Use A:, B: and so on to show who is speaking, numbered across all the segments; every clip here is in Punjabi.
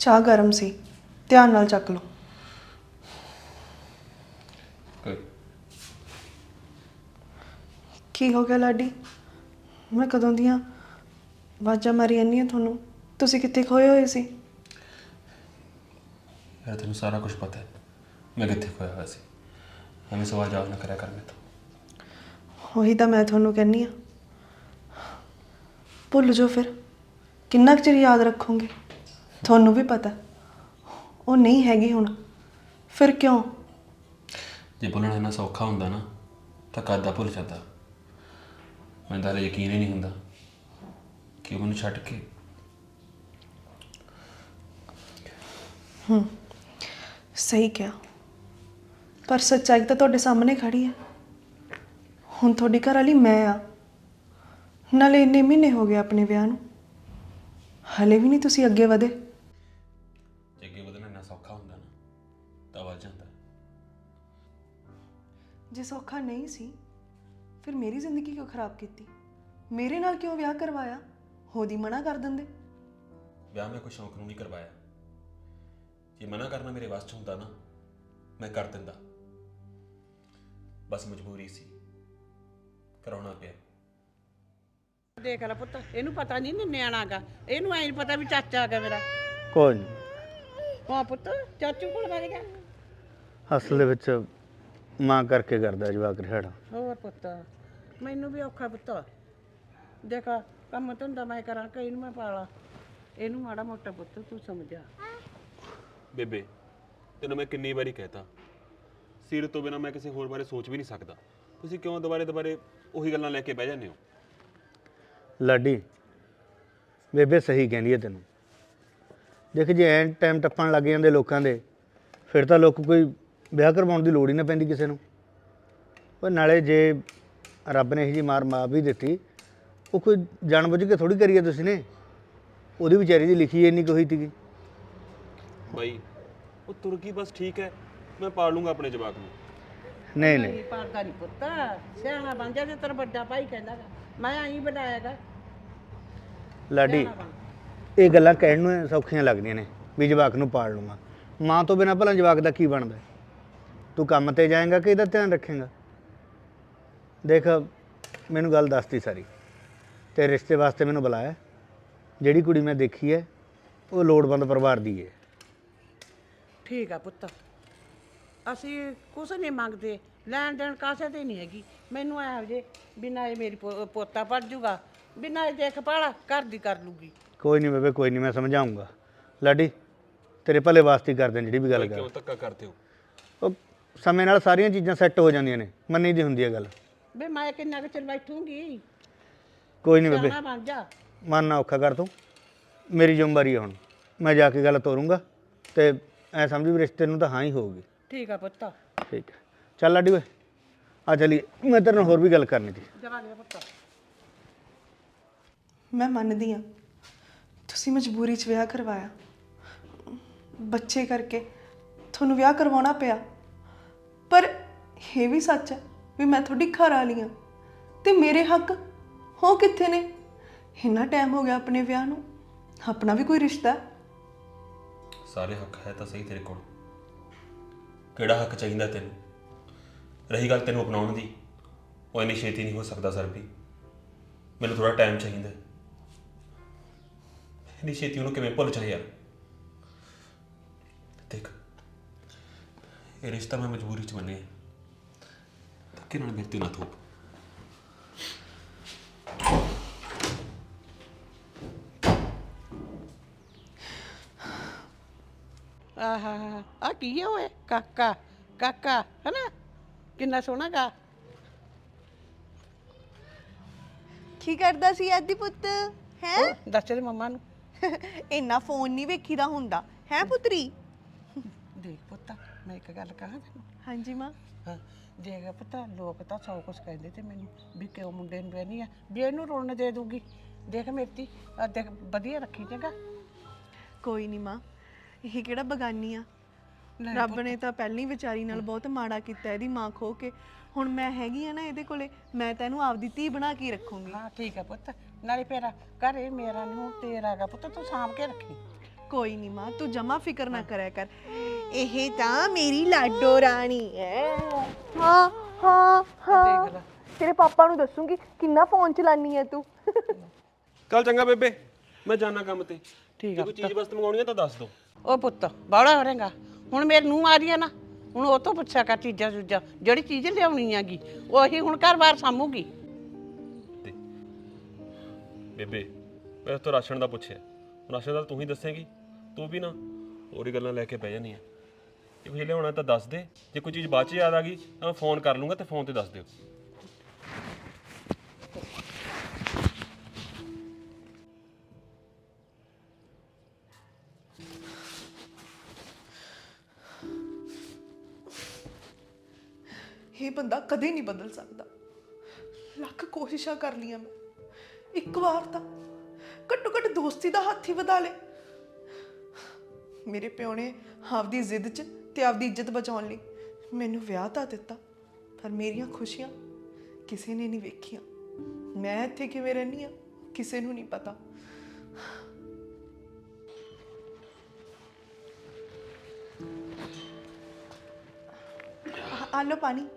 A: ਚਾਹ ਗਰਮ ਸੀ, ਧਿਆਨ ਨਾਲ ਚੱਕ ਲਓ। ਕੀ ਹੋ ਗਿਆ ਲਾਡੀ? ਮੈਂ ਕਦੋਂ ਦੀਆਂ ਆਵਾਜ਼ਾਂ ਮਾਰੀ ਜਾਂਦੀ ਹਾਂ ਤੁਹਾਨੂੰ, ਤੁਸੀਂ ਕਿੱਥੇ ਖੋਏ ਹੋਏ ਸੀ?
B: ਯਾਰ ਤੈਨੂੰ ਸਾਰਾ ਕੁਝ ਪਤਾ ਹੈ ਮੈਂ ਕਿੱਥੇ ਖੋਇਆ ਹੋਇਆ ਸੀ। ਐਵੇਂ ਸਵਾਲ ਜਵਾਬ ਨਾ ਕਰਿਆ ਕਰ ਮੇਰੇ ਤੋਂ।
A: ਉਹੀ ਤਾਂ ਮੈਂ ਤੁਹਾਨੂੰ ਕਹਿੰਦੀ ਹਾਂ, ਭੁੱਲ ਜਾਓ ਫਿਰ। ਕਿੰਨਾ ਕੁ ਚਿਰ ਯਾਦ ਰੱਖੋਗੇ? ਤੁਹਾਨੂੰ ਵੀ ਪਤਾ ਉਹ ਨਹੀਂ ਹੈਗੀ ਹੁਣ, ਫਿਰ ਕਿਉਂ?
B: ਜੇ ਭੁੱਲਣਾ ਇੰਨਾ ਸੌਖਾ ਹੁੰਦਾ ਨਾ ਤਾਂ ਕਦ ਦਾ ਭੁੱਲ ਜਾਂਦਾ। ਮੈਨੂੰ ਤਾਂ ਹਾਲੇ ਯਕੀਨ ਹੀ ਨਹੀਂ ਹੁੰਦਾ ਕਿ ਉਹ ਮੈਨੂੰ ਛੱਡ ਕੇ।
A: ਸਹੀ ਕਿਹਾ, ਪਰ ਸੱਚਾਈ ਤਾਂ ਤੁਹਾਡੇ ਸਾਹਮਣੇ ਖੜੀ ਹੈ। ਹੁਣ ਤੁਹਾਡੀ ਘਰ ਵਾਲੀ ਮੈਂ ਆ, ਨਾਲੇ ਇੰਨੇ ਮਹੀਨੇ ਹੋ ਗਏ ਆਪਣੇ ਵਿਆਹ ਨੂੰ, ਹਲੇ ਵੀ ਨਹੀਂ ਤੁਸੀਂ ਅੱਗੇ ਵਧੇ।
B: ਜੇ ਅੱਗੇ ਵਧਣਾ ਇੰਨਾ ਸੌਖਾ ਹੁੰਦਾ ਨਾ ਤਾਂ ਵੱਧ ਜਾਂਦਾ।
A: ਜੇ ਸੌਖਾ ਨਹੀਂ ਸੀ ਫਿਰ ਮੇਰੀ ਜ਼ਿੰਦਗੀ ਕਿਉਂ ਖਰਾਬ ਕੀਤੀ? ਮੇਰੇ ਨਾਲ ਕਿਉਂ ਵਿਆਹ ਕਰਵਾਇਆ? ਹੋਦੀ ਮਨਾ ਕਰ ਦਿੰਦੇ।
B: ਵਿਆਹ ਮੈਂ ਕੋਈ ਸ਼ੌਂਕ ਨੂੰ ਨਹੀਂ ਕਰਵਾਇਆ। ਜੇ ਮਨਾ ਕਰਨਾ ਮੇਰੇ ਵੱਸ 'ਚ ਹੁੰਦਾ ਨਾ ਮੈਂ ਕਰ ਦਿੰਦਾ, ਬਸ ਮਜਬੂਰੀ ਸੀ, ਕਰਾਉਣਾ ਪਿਆ।
C: ਦੇਖ ਲੈ ਪੁੱਤ, ਇਹਨੂੰ ਪਤਾ ਨਹੀਂ ਨਿਆਣਾ ਗਾ, ਇਹਨੂੰ ਐਂ ਨੀ ਪਤਾ ਵੀ ਚਾਚਾ ਆ ਗਿਆ ਮੇਰਾ।
D: ਕੋਈ ਨਹੀਂ,
C: ਹਾਂ ਪੁੱਤ, ਚਾਚੂ ਕੋਲ ਵਗ ਗਿਆ।
D: ਅਸਲ ਦੇ ਵਿੱਚ ਮਾਂ ਕਰਕੇ ਕਰਦਾ ਜਵਾਕ ਰਿਹਾੜਾ।
C: ਹੋਰ ਪੁੱਤ, ਮੈਨੂੰ ਵੀ ਔਖਾ ਪੁੱਤ। ਦੇਖ ਕੰਮ ਧੰਦਾ ਮੈਂ ਕਰਾਂ ਕਿ ਇਹਨੂੰ ਮੈਂ ਪਾਲਾਂ, ਇਹਨੂੰ ਮਾੜਾ ਮੋਟਾ ਪੁੱਤ ਤੂੰ ਸਮਝਾ।
B: ਬੇਬੇ ਤੈਨੂੰ ਮੈਂ ਕਿੰਨੀ ਵਾਰੀ ਕਹਿਤਾ, ਸੀਰਤ ਤੋਂ ਬਿਨਾਂ ਮੈਂ ਕਿਸੇ ਹੋਰ ਬਾਰੇ ਸੋਚ ਵੀ ਨਹੀਂ ਸਕਦਾ। ਤੁਸੀਂ ਕਿਉਂ ਦੁਬਾਰੇ ਉਹੀ ਗੱਲਾਂ ਲੈ ਕੇ ਬਹਿ ਜਾਂਦੇ ਹੋ?
D: ਲਾਡੀ, ਬੇਬੇ ਸਹੀ ਕਹਿੰਦੀ ਹੈ ਤੈਨੂੰ। ਦੇਖ ਜੇ ਐਨ ਟਾਈਮ ਟੱਪਣ ਲੱਗ ਜਾਂਦੇ ਲੋਕਾਂ ਦੇ, ਫਿਰ ਤਾਂ ਲੋਕ ਕੋਈ ਵਿਆਹ ਕਰਵਾਉਣ ਦੀ ਲੋੜ ਹੀ ਨਾ ਪੈਂਦੀ ਕਿਸੇ ਨੂੰ। ਪਰ ਨਾਲੇ ਜੇ ਰੱਬ ਨੇ ਇਹੋ ਜਿਹੀ ਮਾਰ ਵੀ ਦਿੱਤੀ, ਉਹ ਕੋਈ ਜਾਣਬੁੱਝ ਕੇ ਥੋੜੀ ਕਰੀ ਹੈ ਤੁਸੀਂ ਨੇ। ਉਹਦੀ ਵਿਚਾਰੀ ਦੀ ਲਿਖੀ ਇੰਨੀ ਕੁ ਹੋਈ ਸੀਗੀ।
B: ਬਾਈ ਉਹ ਤੁਰਕੀ ਬਸ ਠੀਕ ਹੈ, ਮੈਂ ਪਾਲ ਲੂੰਗਾ ਆਪਣੇ ਜਵਾਕ ਨੂੰ।
D: ਨਹੀਂ
C: ਪਾਲਦਾ ਨਹੀਂ ਪੁੱਤ, ਸਿਆਣਾ ਬਣ ਜਾ ਤੇ ਤੇਰਾ ਵੱਡਾ ਭਾਈ ਕਹਿੰਦਾ ਗਾ, ਮੈਂ ਆਈ ਬਣਾਇਆਗਾ।
D: ਲਾਡੀ, ਇਹ ਗੱਲਾਂ ਕਹਿਣ ਨੂੰ ਸੌਖੀਆਂ ਲੱਗਦੀਆਂ ਨੇ ਵੀ ਜਵਾਕ ਨੂੰ ਪਾਲ ਲੂੰਗਾ। ਮਾਂ ਤੋਂ ਬਿਨਾਂ ਭਲਾ ਜਵਾਕ ਦਾ ਕੀ ਬਣਦਾ? ਤੂੰ ਕੰਮ ਤੇ ਜਾਏਂਗਾ ਕਿ ਇਹਦਾ ਧਿਆਨ ਰੱਖੇਂਗਾ? ਦੇਖ ਮੈਨੂੰ ਗੱਲ ਦੱਸਤੀ ਸਾਰੀ, ਤੇ ਰਿਸ਼ਤੇ ਵਾਸਤੇ ਮੈਨੂੰ ਬੁਲਾਇਆ। ਜਿਹੜੀ ਕੁੜੀ ਮੈਂ ਦੇਖੀ ਹੈ ਉਹ ਲੋੜਵੰਦ ਪਰਿਵਾਰ ਦੀ ਹੈ।
C: ਠੀਕ ਆ ਪੁੱਤ, ਅਸੀਂ ਕੁਛ ਨਹੀਂ ਮੰਗਦੇ, ਲੈਣ ਦੇਣ ਕਾਸੇ ਤੇ ਨਹੀਂ ਹੈਗੀ। ਮੈਨੂੰ ਐ ਜੇ ਬਿਨਾਂ ਇਹ ਮੇਰੀ ਪੋਤਾ ਪੜ ਜੂਗਾ, ਬਿਨਾਂ ਇਹ ਦੇਖਭਾਲ ਘਰ ਦੀ ਕਰ ਲੂਗੀ।
D: ਕੋਈ ਨਹੀਂ ਬੇਬੇ, ਕੋਈ ਨਹੀਂ, ਮੈਂ ਸਮਝਾਊਂਗਾ। ਲਾਡੀ ਤੇਰੇ ਭਲੇ ਵਾਸਤੇ ਹੀ ਕਰਦੇ ਨੇ ਜਿਹੜੀ ਵੀ ਗੱਲ
B: ਕਿਉਂ
D: ਕਰ।
B: ਧੱਕਾ ਕਰਦੇ ਹੋ?
D: ਉਹ ਸਮੇਂ ਨਾਲ ਸਾਰੀਆਂ ਚੀਜ਼ਾਂ ਸੈੱਟ ਹੋ ਜਾਂਦੀਆਂ ਨੇ, ਮੰਨੀ ਦੀ ਹੁੰਦੀ ਹੈ ਗੱਲ।
C: ਵੇ ਮੈਂ ਕਿੰਨਾ ਕੁ ਚਿਰ ਬੈਠੂੰਗੀ?
D: ਕੋਈ ਨਹੀਂ ਬੇਬੇ,
C: ਸਿਆਣਾ ਬਣ ਜਾ।
D: ਮਨ ਨਾ ਔਖਾ ਕਰ ਤੂੰ, ਮੇਰੀ ਜ਼ਿੰਮੇਵਾਰੀ ਹੈ ਹੁਣ। ਮੈਂ ਜਾ ਕੇ ਗੱਲ ਤੋਰੂੰਗਾ ਤੇ ਐ ਸਮਝ ਵੀ ਰਿਸ਼ਤੇ ਨੂੰ ਤਾਂ ਹਾਂ ਹੀ ਹੋਊਗੀ।
C: ਠੀਕ ਆ ਪੁੱਤ,
D: ਠੀਕ ਹੈ, ਚੱਲ ਲਾਡੀ ਓਏ ਆ ਚਲੀਏ, ਮੈਂ ਤੇਰੇ ਨਾਲ ਹੋਰ ਵੀ ਗੱਲ ਕਰਨੀ ਸੀ।
C: ਜਗਾ ਲਿਆ ਪੁੱਤ।
A: ਮੈਂ ਮੰਨਦੀ ਹਾਂ ਤੁਸੀਂ ਮਜਬੂਰੀ 'ਚ ਵਿਆਹ ਕਰਵਾਇਆ, ਬੱਚੇ ਕਰਕੇ ਤੁਹਾਨੂੰ ਵਿਆਹ ਕਰਵਾਉਣਾ ਪਿਆ, ਪਰ ਇਹ ਵੀ ਸੱਚ ਹੈ ਵੀ ਮੈਂ ਤੁਹਾਡੀ ਘਰ ਵਾਲੀ ਹਾਂ ਤੇ ਮੇਰੇ ਹੱਕ ਹੋ ਕਿੱਥੇ ਨੇ? ਇੰਨਾ ਟਾਈਮ ਹੋ ਗਿਆ ਆਪਣੇ ਵਿਆਹ ਨੂੰ, ਆਪਣਾ ਵੀ ਕੋਈ ਰਿਸ਼ਤਾ ਹੈ।
B: ਸਾਰੇ ਹੱਕ ਹੈ ਤਾਂ ਸਹੀ ਤੇਰੇ ਕੋਲ, ਕਿਹੜਾ ਹੱਕ ਚਾਹੀਦਾ ਤੈਨੂੰ? ਰਹੀ ਗੱਲ ਤੈਨੂੰ ਅਪਣਾਉਣ ਦੀ, ਉਹ ਇੰਨੀ ਛੇਤੀ ਨਹੀਂ ਹੋ ਸਕਦਾ ਸਰ ਵੀ। ਮੈਨੂੰ ਥੋੜਾ ਟਾਈਮ ਚਾਹੀਦਾ। ਇੰਨੀ ਛੇਤੀ ਉਹਨੂੰ ਕਿਵੇਂ ਭੁੱਲ ਜਾਏ ਯਾਰ? ਦੇਖ ਇਹ ਰਿਸ਼ਤਾ ਮੈਂ ਮਜਬੂਰੀ 'ਚ ਮੰਨਿਆ, ਧੱਕੇ ਨਾਲ ਮੇਰੇ ਤੇ ਨਾ ਥੋਪ।
C: ਆਹਾ ਆ ਕੀ ਹੈ ਓਏ? ਕਾਕਾ ਕਾਕਾ ਹੈ ਨਾ, ਕਿੰਨਾ ਸੋਹਣਾ ਗਾ।
E: ਕੀ ਕਰਦਾ ਸੀ ਆਦੀ ਪੁੱਤ? ਹੈ
C: ਦੱਸ ਦੇ ਮੰਮਾ ਨੂੰ।
E: ਇੰਨਾ ਫੋਨ ਨਹੀਂ ਵੇਖੀਦਾ ਹੁੰਦਾ ਹੈ ਪੁੱਤਰੀ।
C: ਦੇਖ ਪੁੱਤ, ਮੈਂ ਇੱਕ ਗੱਲ ਕਹਾਂ ਤੈਨੂੰ।
E: ਹਾਂਜੀ ਮਾਂ।
C: ਹਾਂ ਦੇਖ ਪੁੱਤ, ਲੋਕ ਤਾਂ ਸੌ ਕੁਛ ਕਹਿੰਦੇ ਤੇ ਮੈਨੂੰ ਵੀ ਕਿਉਂ ਮੁੰਡੇ ਨੂੰ ਵਿਆਹਨੀ ਆ, ਵੀ ਇਹਨੂੰ ਰੋਣ ਦੇ ਦੂਗੀ। ਦੇਖ ਮੇਰੀ ਦੇਖ ਵਧੀਆ ਰੱਖੀ ਚੰਗਾ।
E: ਕੋਈ ਨਹੀਂ ਮਾਂ, ਇਹ ਕਿਹੜਾ ਬਗਾਨੀ ਆ। ਰੱਬ ਨੇ ਤਾਂ ਪਹਿਲੀ ਵਿਚਾਰੀ ਨਾਲ ਬਹੁਤ ਮਾੜਾ ਕੀਤਾ, ਇਹਦੀ ਮਾਂ ਖੋ ਕੇ। ਹੁਣ ਮੈਂ ਹੈਗੀ ਆ ਨਾ ਇਹਦੇ ਕੋਲੇ, ਮੈਂ ਤੈਨੂੰ ਆਪਦੀ ਧੀ ਬਣਾ ਕੇ ਰੱਖੂੰਗੀ।
C: ਹਾਂ ਠੀਕ ਹੈ ਪੁੱਤ, ਨਾਲੇ ਫੇਰ ਘਰੇ ਮੇਰਾ ਨਹੀਂ ਹੁਣ ਤੇਰਾ ਗਾ ਪੁੱਤ, ਤੂੰ ਸਾਂਭ ਕੇ ਰੱਖੀ।
E: ਕੋਈ ਨਹੀਂ ਮਾਂ, ਤੂੰ ਜਮਾ ਫਿਕਰ ਨਾ ਕਰਿਆ ਕਰ। ਇਹ ਤਾਂ ਮੇਰੀ ਲਾਡੋ ਰਾਣੀ ਹੈ। ਹਾਂ ਹਾਂ
C: ਦੇਖ ਲੈ।
E: ਤੇਰੇ ਪਾਪਾ ਨੂੰ ਦੱਸੂਗੀ ਕਿੰਨਾ ਫੋਨ ਚਲਾਨੀ ਹੈ ਤੂੰ।
B: ਚੱਲ ਚੰਗਾ ਬੇਬੇ, ਮੈਂ ਜਾਣਾ ਕੰਮ ਤੇ।
C: ਠੀਕ
B: ਜੇ
C: ਆ
B: ਕੋਈ ਚੀਜ਼ ਬਸ ਮੰਗਾਉਣੀ ਆ ਤਾਂ ਦੱਸ ਦਿਓ।
C: ਉਹ ਪੁੱਤ ਬਾਹਲਾ ਹੋਰੇਗਾ। ਹੁਣ ਮੇਰੇ ਨੂੰ ਆ ਰਹੀ ਆ ਨਾ, ਹੁਣ ਉਹ ਤੋਂ ਪੁੱਛਿਆ ਕਰ ਚੀਜ਼ਾਂ ਚੂਜ਼ਾਂ, ਜਿਹੜੀ ਚੀਜ਼ ਲਿਆਉਣੀ ਹੈਗੀ ਉਹੀ ਹੁਣ ਘਰ-ਬਾਰ ਸਾਂਭੂਗੀ।
B: ਤੇ ਬੇਬੇ ਮੈਂ ਤੋਂ ਰਾਸ਼ਨ ਦਾ ਪੁੱਛਿਆ, ਰਾਸ਼ਨ ਦਾ ਤੂੰ ਹੀ ਦੱਸੇਂਗੀ। ਤੂੰ ਵੀ ਨਾ ਹੋਰ ਹੀ ਗੱਲਾਂ ਲੈ ਕੇ ਬਹਿ ਜਾਨੀ ਆ। ਜੇ ਕੁਝ ਲਿਆਉਣਾ ਤਾਂ ਦੱਸ ਦੇ, ਜੇ ਕੋਈ ਚੀਜ਼ ਬਾਅਦ ਚ ਯਾਦ ਆ ਗਈ ਤਾਂ ਮੈਂ ਫੋਨ ਕਰ ਲੂੰਗਾ ਤੇ ਫੋਨ ਤੇ ਦੱਸ ਦਿਓ।
A: ਇਹ ਬੰਦਾ ਕਦੇ ਨਹੀਂ ਬਦਲ ਸਕਦਾ। ਲੱਖ ਕੋਸ਼ਿਸ਼ਾਂ ਕਰ ਲੀਆਂ ਮੈਂ, ਇੱਕ ਵਾਰ ਤਾਂ ਘੱਟੋ ਘੱਟ ਦੋਸਤੀ ਦਾ ਹੱਥ ਹੀ ਵਧਾ ਲੇ। ਮੇਰੇ ਪਿਓ ਨੇ ਆਪਦੀ ਜ਼ਿੱਦ 'ਚ ਤੇ ਆਪਦੀ ਇੱਜ਼ਤ ਬਚਾਉਣ ਲਈ ਮੈਨੂੰ ਵਿਆਹ ਤਾਂ ਦਿੱਤਾ, ਪਰ ਮੇਰੀਆਂ ਖੁਸ਼ੀਆਂ ਕਿਸੇ ਨੇ ਨਹੀਂ ਵੇਖੀਆਂ। ਮੈਂ ਇੱਥੇ ਕਿਵੇਂ ਰਹਿੰਦੀ ਆ ਕਿਸੇ ਨੂੰ ਨਹੀਂ ਪਤਾ। ਆ ਲਓ ਪਾਣੀ।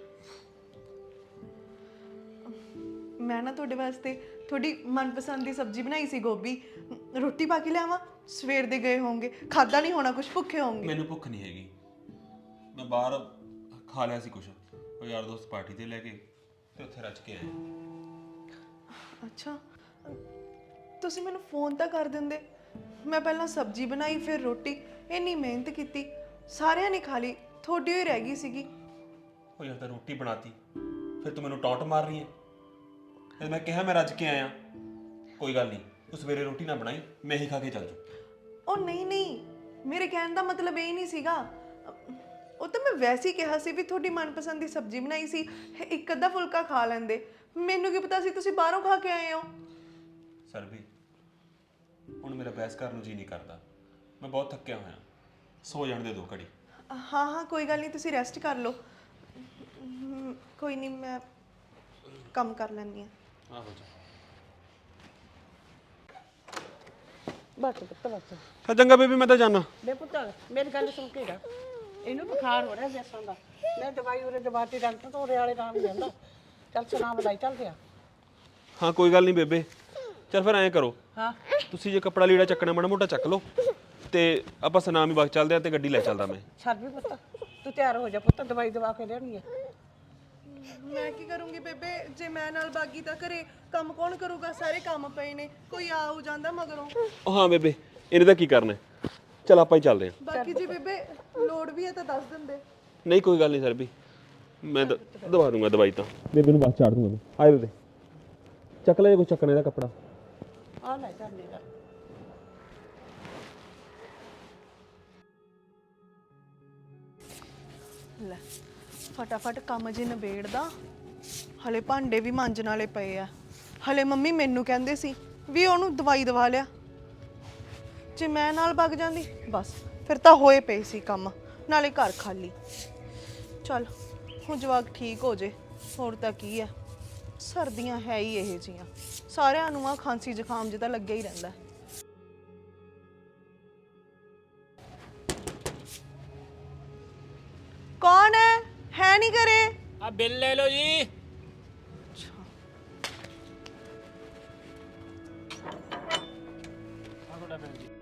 A: ਮੈਂ ਨਾ ਤੁਹਾਡੇ ਵਾਸਤੇ ਤੁਹਾਡੀ ਮਨਪਸੰਦ ਦੀ ਸਬਜ਼ੀ ਬਣਾਈ ਸੀ, ਗੋਭੀ। ਰੋਟੀ ਪਾ ਕੇ ਲਿਆਵਾਂ? ਸਵੇਰ ਦੇ ਗਏ ਹੋਵੋਗੇ, ਖਾਦਾ ਨਹੀਂ ਹੋਣਾ, ਕੁਝ ਭੁੱਖੇ ਹੋਵੋਗੇ।
B: ਮੈਨੂੰ ਭੁੱਖ ਨਹੀਂ ਹੈਗੀ, ਮੈਂ ਬਾਹਰ ਖਾ ਲਿਆ ਸੀ ਕੁਝ, ਉਹ ਯਾਰ ਦੋਸਤ ਪਾਰਟੀ ਤੇ ਲੈ ਕੇ ਤੇ ਉੱਥੇ ਰੱਜ ਕੇ ਆਏ।
A: ਅੱਛਾ, ਤੁਸੀਂ ਮੈਨੂੰ ਫੋਨ ਤਾਂ ਕਰ ਦਿੰਦੇ। ਮੈਂ ਪਹਿਲਾਂ ਸਬਜ਼ੀ ਬਣਾਈ, ਫਿਰ ਰੋਟੀ, ਇੰਨੀ ਮਿਹਨਤ ਕੀਤੀ, ਸਾਰਿਆਂ ਨੇ ਖਾ ਲਈ, ਤੁਹਾਡੀ ਹੋਈ ਰਹਿ ਗਈ ਸੀਗੀ।
B: ਉਹ ਯਾਰ ਤਾਂ ਰੋਟੀ ਬਣਾਤੀ, ਫਿਰ ਤੂੰ ਮੈਨੂੰ ਟੌਂਟ ਮਾਰ ਰਹੀ ਹੈ। ਫਿਰ ਮੈਂ ਕਿਹਾ ਮੈਂ ਰੱਜ ਕੇ ਆਇਆ। ਕੋਈ ਗੱਲ ਨਹੀਂ, ਤੂੰ ਸਵੇਰੇ ਰੋਟੀ ਨਾ ਬਣਾਈ, ਮੈਂ ਹੀ ਖਾ ਕੇ ਚੱਲ ਜੂ।
A: ਉਹ ਨਹੀਂ ਨਹੀਂ, ਮੇਰੇ ਕਹਿਣ ਦਾ ਮਤਲਬ ਇਹ ਨਹੀਂ ਸੀਗਾ। ਉਹ ਤਾਂ ਮੈਂ ਵੈਸੇ ਹੀ ਕਿਹਾ ਸੀ ਵੀ ਤੁਹਾਡੀ ਮਨਪਸੰਦ ਦੀ ਸਬਜ਼ੀ ਬਣਾਈ ਸੀ, ਇੱਕ ਅੱਧਾ ਫੁਲਕਾ ਖਾ ਲੈਂਦੇ। ਮੈਨੂੰ ਕੀ ਪਤਾ ਸੀ ਤੁਸੀਂ ਬਾਹਰੋਂ ਖਾ ਕੇ ਆਏ ਹੋ।
B: ਸਰਬੀ, ਹੁਣ ਮੇਰਾ ਬਹਿਸ ਕਰਨ ਨੂੰ ਜੀ ਨਹੀਂ ਕਰਦਾ, ਮੈਂ ਬਹੁਤ ਥੱਕਿਆ ਹੋਇਆ। ਸੋ ਜਾਣ ਦੇ ਦੋ ਘੜੀ।
A: ਹਾਂ ਹਾਂ, ਕੋਈ ਗੱਲ ਨਹੀਂ, ਤੁਸੀਂ ਰੈਸਟ ਕਰ ਲਓ। ਕੋਈ ਨਹੀਂ, ਮੈਂ ਕੰਮ ਕਰ ਲੈਂਦੀ ਹਾਂ।
B: ਆਹੋ ਜਾ।
C: ਬਸ ਪੁੱਤ ਬਸ।
B: ਹਾਂ ਚੰਗਾ ਬੇਬੀ, ਮੈਂ ਤਾਂ ਜਾਣਾ।
C: ਬੇ ਪੁੱਤ ਮੇਰੀ ਗੱਲ ਸੁਣ ਕੇ ਜਾ, ਇਹਨੂੰ ਬੁਖਾਰ ਹੋ ਰਿਹਾ ਜੈਸਾਂ ਦਾ। ਮੈਂ ਦਵਾਈ ਉਰੇ ਦਵਾਤੀ, ਡਾਕਟਰ ਤੋਂ ਉਰੇ ਵਾਲੇ ਨਾਮ ਜਾਂਦਾ। ਚੱਲ ਸੁਣਾ ਵਧਾਈ, ਚੱਲ ਗਿਆ।
B: ਹਾਂ ਕੋਈ ਗੱਲ ਨਹੀਂ ਬੇਬੇ, ਚੱਲ ਫਿਰ ਐਂ ਕਰੋ,
C: ਹਾਂ
B: ਤੁਸੀਂ ਜੇ ਕੱਪੜਾ ਲੀੜਾ ਚੱਕਣਾ ਮਾੜਾ ਮੋਟਾ ਚੱਕ ਲਓ ਤੇ ਆਪਾਂ ਸਨਾਮ ਹੀ ਬਾਗ ਚੱਲਦੇ ਆ ਤੇ ਗੱਡੀ ਲੈ ਚੱਲਦਾ ਮੈਂ।
C: ਛੱਡ ਵੀ ਪੁੱਤ, ਤੂੰ ਤਿਆਰ ਹੋ ਜਾ ਪੁੱਤ, ਦਵਾਈ ਦਵਾ ਕੇ ਲਿਆਉਣੀ ਹੈ।
A: ਮੈਂ ਕੀ ਕਰੂੰਗੀ ਬੇਬੇ, ਜੇ ਮੈਂ ਨਾਲ ਬਾਗੀ ਤਾਂ ਘਰੇ ਕੰਮ ਕੌਣ ਕਰੂਗਾ? ਸਾਰੇ ਕੰਮ ਪਏ ਨੇ, ਕੋਈ ਆ ਹੋ ਜਾਂਦਾ ਮਗਰੋਂ।
B: ਉਹ ਹਾਂ ਬੇਬੇ, ਇਹਨੇ ਤਾਂ ਕੀ ਕਰਨਾ, ਚੱਲ ਆਪਾਂ ਹੀ ਚੱਲਦੇ ਹਾਂ।
A: ਬਾਕੀ ਜੇ ਬੇਬੇ ਲੋੜ ਵੀ ਹੈ ਤਾਂ ਦੱਸ ਦਿੰਦੇ।
B: ਨਹੀਂ ਕੋਈ ਗੱਲ ਨਹੀਂ ਸਰਬੀ, ਮੈਂ ਦਵਾ ਦੂੰਗਾ ਦਵਾਈ ਤਾਂ। ਬੇਬੇ ਨੂੰ ਬਸ ਚਾੜ ਦੂੰਗਾ। ਆਏ ਬੇਬੇ, ਚੱਕ ਲੈ ਜੇ ਕੋਈ ਚੱਕਣੇ ਦਾ ਕੱਪੜਾ।
C: ਆ ਲੈ ਚੱਲ ਮੇਰਾ।
A: ਲੈ ਫਟਾਫਟ ਕੰਮ ਜੇ ਨਿਬੇੜਦਾ, ਹਲੇ ਭਾਂਡੇ ਵੀ ਮਾਂਜਣ ਵਾਲੇ ਪਏ ਆ। ਹਲੇ ਮੰਮੀ ਮੈਨੂੰ ਕਹਿੰਦੇ ਸੀ ਵੀ ਉਹਨੂੰ ਦਵਾਈ ਦਵਾ ਲਿਆ। ਜੇ ਮੈਂ ਨਾਲ ਵਗ ਜਾਂਦੀ ਬਸ ਫਿਰ ਤਾਂ ਹੋਏ ਪਏ ਸੀ ਕੰਮ, ਨਾਲੇ ਘਰ ਖਾਲੀ। ਚੱਲ ਹੁਣ ਜਵਾਕ ਠੀਕ ਹੋ ਜੇ, ਹੋਰ ਤਾਂ ਕੀ ਆ। ਸਰਦੀਆਂ ਹੈ ਹੀ ਇਹ ਜੀਆਂ, ਸਾਰਿਆਂ ਨੂੰ ਆ ਖਾਂਸੀ ਜ਼ੁਕਾਮ ਜਿਹਾ ਤਾਂ ਲੱਗਿਆ ਹੀ ਰਹਿੰਦਾ। ਕੌਣ ਹੈ ਨਹੀਂ ਘਰੇ?
F: ਆ ਬਿੱਲ ਲੈ ਲਓ ਜੀ। ਆ ਤੁਹਾਡਾ ਬਿੱਲ ਜੀ।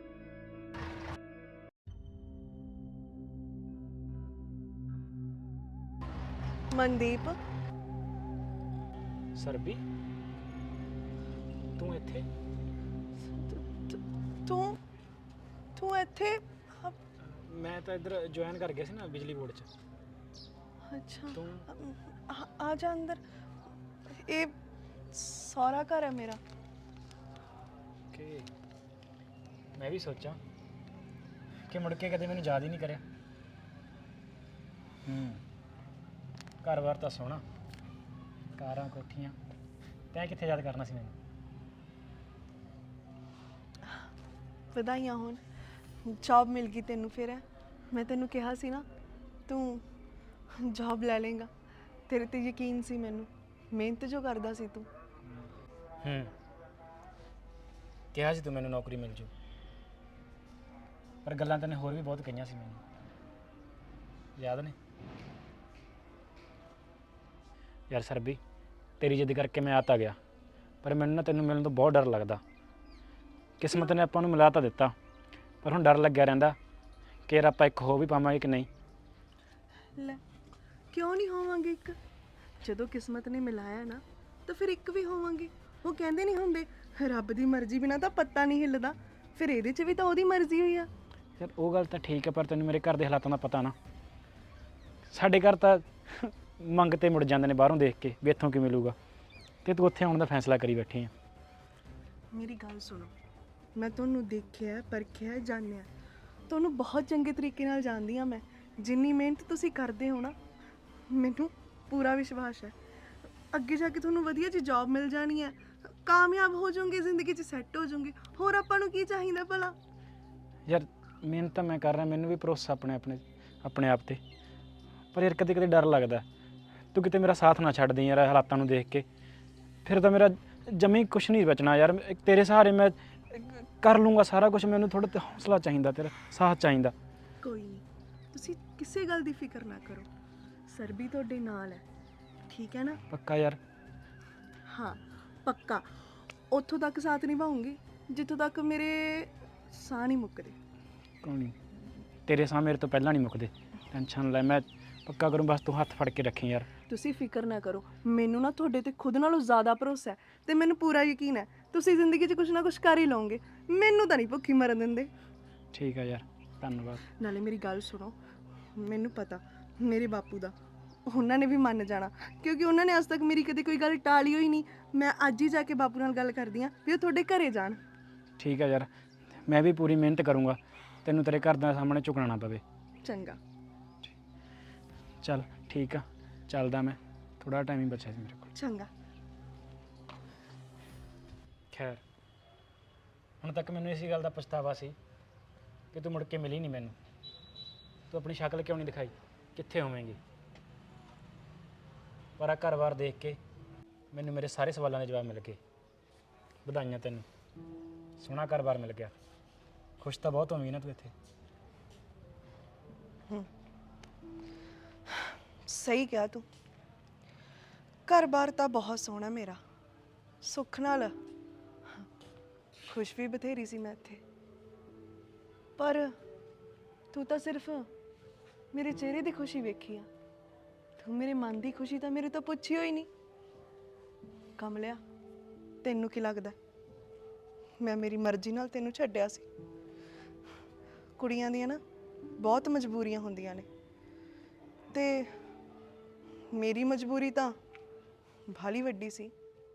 A: ਮਨਦੀਪ,
F: ਸਰਬੀ ਤੂੰ ਇੱਥੇ?
A: ਤੂੰ ਇੱਥੇ?
F: ਮੈਂ ਤਾਂ ਇੱਧਰ ਜੁਆਇਨ ਕਰ ਗਿਆ ਸੀ ਨਾ ਬਿਜਲੀ ਬੋਰਡ 'ਚ।
A: ਅੱਛਾ,
F: ਤੂੰ
A: ਆ ਜਾ ਅੰਦਰ। ਇਹ ਸਾਰਾ ਘਰ ਹੈ ਮੇਰਾ।
F: ਕਿ ਮੈਂ ਵੀ ਸੋਚਾਂ ਕਿ ਮੁੜ ਕੇ ਕਦੇ ਮੈਨੂੰ ਯਾਦ ਹੀ ਨਹੀਂ ਕਰਿਆ। ਘਰ-ਬਾਰ ਤਾਂ ਸੋਹਣਾ, ਕਾਰਾਂ ਕੋਠੀਆਂ, ਤੈਂ ਕਿੱਥੇ ਯਾਦ ਕਰਨਾ ਸੀ ਮੈਨੂੰ?
A: ਵਧਾਈਆਂ ਹੋਣ, ਜੌਬ ਮਿਲ ਗਈ ਤੈਨੂੰ। ਫਿਰ ਮੈਂ ਤੈਨੂੰ ਕਿਹਾ ਸੀ ਨਾ ਤੂੰ ਜੌਬ ਲੈ ਲੇਗਾ, ਤੇਰੇ ਤੇ ਯਕੀਨ ਸੀ ਮੈਨੂੰ। ਮਿਹਨਤ ਜੋ ਕਰਦਾ ਸੀ ਤੂੰ।
F: ਕਿਹਾ ਸੀ ਤੂੰ ਮੈਨੂੰ ਨੌਕਰੀ ਮਿਲ ਜੂ, ਪਰ ਗੱਲਾਂ ਤੈਨੇ ਹੋਰ ਵੀ ਬਹੁਤ ਕਹੀਆਂ ਸੀ ਮੈਨੂੰ, ਯਾਦ ਨੇ? ਯਾਰ ਸਰਬੀ, ਤੇਰੀ ਜਿੱਦ ਕਰਕੇ ਮੈਂ ਆ ਤਾਂ ਗਿਆ, ਪਰ ਮੈਨੂੰ ਨਾ ਤੈਨੂੰ ਮਿਲਣ ਤੋਂ ਬਹੁਤ ਡਰ ਲੱਗਦਾ। ਕਿਸਮਤ ਨੇ ਆਪਾਂ ਨੂੰ ਮਿਲਾ ਤਾਂ ਦਿੱਤਾ, ਪਰ ਹੁਣ ਡਰ ਲੱਗਿਆ ਰਹਿੰਦਾ ਕਿ ਯਾਰ ਆਪਾਂ ਇੱਕ ਹੋ ਵੀ ਪਾਵਾਂਗੇ ਕਿ ਨਹੀਂ।
E: ਲੈ, ਕਿਉਂ ਨਹੀਂ ਹੋਵਾਂਗੇ ਇੱਕ? ਜਦੋਂ ਕਿਸਮਤ ਨੇ ਮਿਲਾਇਆ ਨਾ ਤਾਂ ਫਿਰ ਇੱਕ ਵੀ ਹੋਵਾਂਗੇ। ਉਹ ਕਹਿੰਦੇ ਨਹੀਂ ਹੁੰਦੇ, ਰੱਬ ਦੀ ਮਰਜ਼ੀ ਬਿਨਾਂ ਤਾਂ ਪੱਤਾ ਨਹੀਂ ਹਿੱਲਦਾ, ਫਿਰ ਇਹਦੇ 'ਚ ਵੀ ਤਾਂ ਉਹਦੀ ਮਰਜ਼ੀ ਹੋਈ ਆ।
F: ਯਾਰ ਉਹ ਗੱਲ ਤਾਂ ਠੀਕ ਹੈ, ਪਰ ਤੈਨੂੰ ਮੇਰੇ ਘਰ ਦੇ ਹਾਲਾਤਾਂ ਦਾ ਪਤਾ ਨਾ। ਸਾਡੇ ਘਰ ਤਾਂ ਮੰਗ ਤੇ ਮੁੜ ਜਾਂਦੇ ਨੇ ਬਾਹਰੋਂ ਦੇਖ ਕੇ ਵੀ ਇੱਥੋਂ ਕੀ ਮਿਲੂਗਾ, ਤੇ ਤੂੰ ਉੱਥੇ ਆਉਣ ਦਾ ਫੈਸਲਾ ਕਰੀ ਬੈਠੀ ਆ।
E: ਮੇਰੀ ਗੱਲ ਸੁਣੋ, ਮੈਂ ਤੁਹਾਨੂੰ ਦੇਖਿਆ, ਪਰਖਿਆ, ਜਾਣਿਆ, ਤੁਹਾਨੂੰ ਬਹੁਤ ਚੰਗੇ ਤਰੀਕੇ ਨਾਲ ਜਾਣਦੀ ਹਾਂ ਮੈਂ। ਜਿੰਨੀ ਮਿਹਨਤ ਤੁਸੀਂ ਕਰਦੇ ਹੋ ਨਾ, ਮੈਨੂੰ ਪੂਰਾ ਵਿਸ਼ਵਾਸ ਹੈ ਅੱਗੇ ਜਾ ਕੇ ਤੁਹਾਨੂੰ ਵਧੀਆ ਜਿਹੀ ਜੌਬ ਮਿਲ ਜਾਣੀ ਹੈ, ਕਾਮਯਾਬ ਹੋ ਜਾਓਗੇ, ਜ਼ਿੰਦਗੀ 'ਚ ਸੈੱਟ ਹੋ ਜਾਓਗੇ। ਹੋਰ ਆਪਾਂ ਨੂੰ ਕੀ ਚਾਹੀਦਾ ਭਲਾ?
F: ਯਾਰ ਮਿਹਨਤ ਤਾਂ ਮੈਂ ਕਰ ਰਿਹਾ, ਮੈਨੂੰ ਵੀ ਭਰੋਸਾ ਆਪਣੇ ਆਪ ਤੇ, ਪਰ ਯਾਰ ਕਦੇ ਕਦੇ ਡਰ ਲੱਗਦਾ ਤੂੰ ਕਿਤੇ ਮੇਰਾ ਸਾਥ ਨਾ ਛੱਡ ਦੇ ਯਾਰ ਹਾਲਾਤਾਂ ਨੂੰ ਦੇਖ ਕੇ। ਫਿਰ ਤਾਂ ਮੇਰਾ ਜਮੀ ਕੁਛ ਨਹੀਂ ਬਚਣਾ ਯਾਰ। ਤੇਰੇ ਸਹਾਰੇ ਮੈਂ ਕਰ ਲੂੰਗਾ ਸਾਰਾ ਕੁਝ, ਮੈਨੂੰ ਥੋੜਾ ਹੌਸਲਾ ਚਾਹੀਦਾ, ਤੇਰਾ ਸਾਥ ਚਾਹੀਦਾ।
E: ਕੋਈ ਨਹੀਂ, ਤੁਸੀਂ ਕਿਸੇ ਗੱਲ ਦੀ ਫਿਕਰ ਨਾ ਕਰੋ, ਸਰਬੀ ਤੁਹਾਡੇ ਨਾਲ ਹੈ, ਠੀਕ ਹੈ ਨਾ?
F: ਪੱਕਾ ਯਾਰ?
E: ਹਾਂ ਪੱਕਾ। ਉੱਥੋਂ ਤੱਕ ਸਾਥ ਨਿਭਾਉਂਗੀ ਜਿੱਥੋਂ ਤੱਕ ਮੇਰੇ ਸਾਹ ਨਹੀਂ ਮੁੱਕਦੇ।
F: ਕੋਈ ਨਹੀਂ, ਤੇਰੇ ਸਾਹ ਮੇਰੇ ਤੋਂ ਪਹਿਲਾਂ ਨਹੀਂ ਮੁੱਕਦੇ, ਟੈਨਸ਼ਨ ਲੈ, ਮੈਂ ਪੱਕਾ ਕਰੂੰ, ਬਸ ਤੂੰ ਹੱਥ ਫੜ ਕੇ ਰੱਖੀ ਯਾਰ।
E: ਤੁਸੀਂ ਫਿਕਰ ਨਾ ਕਰੋ, ਮੈਨੂੰ ਨਾ ਤੁਹਾਡੇ ਤੇ ਖੁਦ ਨਾਲੋਂ ਜ਼ਿਆਦਾ ਭਰੋਸਾ ਹੈ ਤੇ ਮੈਨੂੰ ਪੂਰਾ ਯਕੀਨ ਹੈ ਤੁਸੀਂ ਜ਼ਿੰਦਗੀ 'ਚ ਕੁਝ ਨਾ ਕੁਝ ਕਰ ਹੀ ਲਓਗੇ। ਮੈਨੂੰ ਤਾਂ ਨਹੀਂ ਭੁੱਖੀ ਮਰਨ ਦਿੰਦੇ।
F: ਠੀਕ ਹੈ ਯਾਰ, ਧੰਨਵਾਦ।
E: ਨਾਲੇ ਮੇਰੀ ਗੱਲ ਸੁਣੋ, ਮੈਨੂੰ ਪਤਾ ਮੇਰੇ ਬਾਪੂ ਦਾ, ਉਹਨਾਂ ਨੇ ਵੀ ਮੰਨ ਜਾਣਾ, ਕਿਉਂਕਿ ਉਹਨਾਂ ਨੇ ਅੱਜ ਤੱਕ ਮੇਰੀ ਕਦੇ ਕੋਈ ਗੱਲ ਟਾਲੀ ਹੋਈ ਨਹੀਂ। ਮੈਂ ਅੱਜ ਹੀ ਜਾ ਕੇ ਬਾਪੂ ਨਾਲ ਗੱਲ ਕਰਦੀ ਹਾਂ ਵੀ ਉਹ ਤੁਹਾਡੇ ਘਰੇ ਜਾਣ।
F: ਠੀਕ ਹੈ ਯਾਰ, ਮੈਂ ਵੀ ਪੂਰੀ ਮਿਹਨਤ ਕਰੂੰਗਾ, ਤੈਨੂੰ ਤੇਰੇ ਘਰ ਦੇ ਸਾਹਮਣੇ ਝੁਕਣਾ ਨਾ ਪਵੇ।
E: ਚੰਗਾ,
F: ਚੱਲ ਠੀਕ ਆ, ਚੱਲਦਾ ਮੈਂ, ਥੋੜਾ ਟਾਈਮ ਹੀ ਬਚਿਆ ਸੀ ਮੇਰੇ ਕੋਲ।
E: ਚੰਗਾ।
F: ਖੈਰ, ਹੁਣ ਤੱਕ ਮੈਨੂੰ ਇਸੇ ਗੱਲ ਦਾ ਪਛਤਾਵਾ ਸੀ ਕਿ ਤੂੰ ਮੁੜ ਕੇ ਮਿਲੀ ਨਹੀਂ ਮੈਨੂੰ। ਤੂੰ ਆਪਣੀ ਸ਼ਕਲ ਕਿਉਂ ਨਹੀਂ ਦਿਖਾਈ, ਕਿੱਥੇ ਹੋਵੇਂਗੀ? ਪਰ ਆ ਘਰ-ਬਾਰ ਦੇਖ ਕੇ ਮੈਨੂੰ ਮੇਰੇ ਸਾਰੇ ਸਵਾਲਾਂ ਦੇ ਜਵਾਬ ਮਿਲ ਗਏ। ਵਧਾਈਆਂ ਤੈਨੂੰ, ਸੋਹਣਾ ਘਰ-ਬਾਰ ਮਿਲ ਗਿਆ। ਖੁਸ਼ ਤਾਂ ਬਹੁਤ ਹੋਵੀਂ ਨਾ ਤੂੰ ਇੱਥੇ।
E: ਸਹੀ ਕਿਹਾ ਤੂੰ, ਘਰ-ਬਾਰ ਤਾਂ ਬਹੁਤ ਸੋਹਣਾ ਮੇਰਾ, ਸੁੱਖ ਨਾਲ। ਖੁਸ਼ ਵੀ ਬਥੇਰੀ ਸੀ ਮੈਂ ਇੱਥੇ, ਪਰ ਤੂੰ ਤਾਂ ਸਿਰਫ ਮੇਰੇ ਚਿਹਰੇ ਦੀ ਖੁਸ਼ੀ ਵੇਖੀ ਆ, ਤੂੰ ਮੇਰੇ ਮਨ ਦੀ ਖੁਸ਼ੀ ਤਾਂ ਮੇਰੇ ਤੋਂ ਪੁੱਛੀ ਹੋਈ ਨਹੀਂ। ਕਮਲਿਆ, ਤੈਨੂੰ ਕੀ ਲੱਗਦਾ ਮੈਂ ਮੇਰੀ ਮਰਜ਼ੀ ਨਾਲ ਤੈਨੂੰ ਛੱਡਿਆ ਸੀ? ਕੁੜੀਆਂ ਦੀਆਂ ਨਾ ਬਹੁਤ ਮਜਬੂਰੀਆਂ ਹੁੰਦੀਆਂ ਨੇ, ਤੇ ਮੇਰੀ ਮਜਬੂਰੀ ਤਾਂ ਭਾਲੀ ਵੱਡੀ ਸੀ।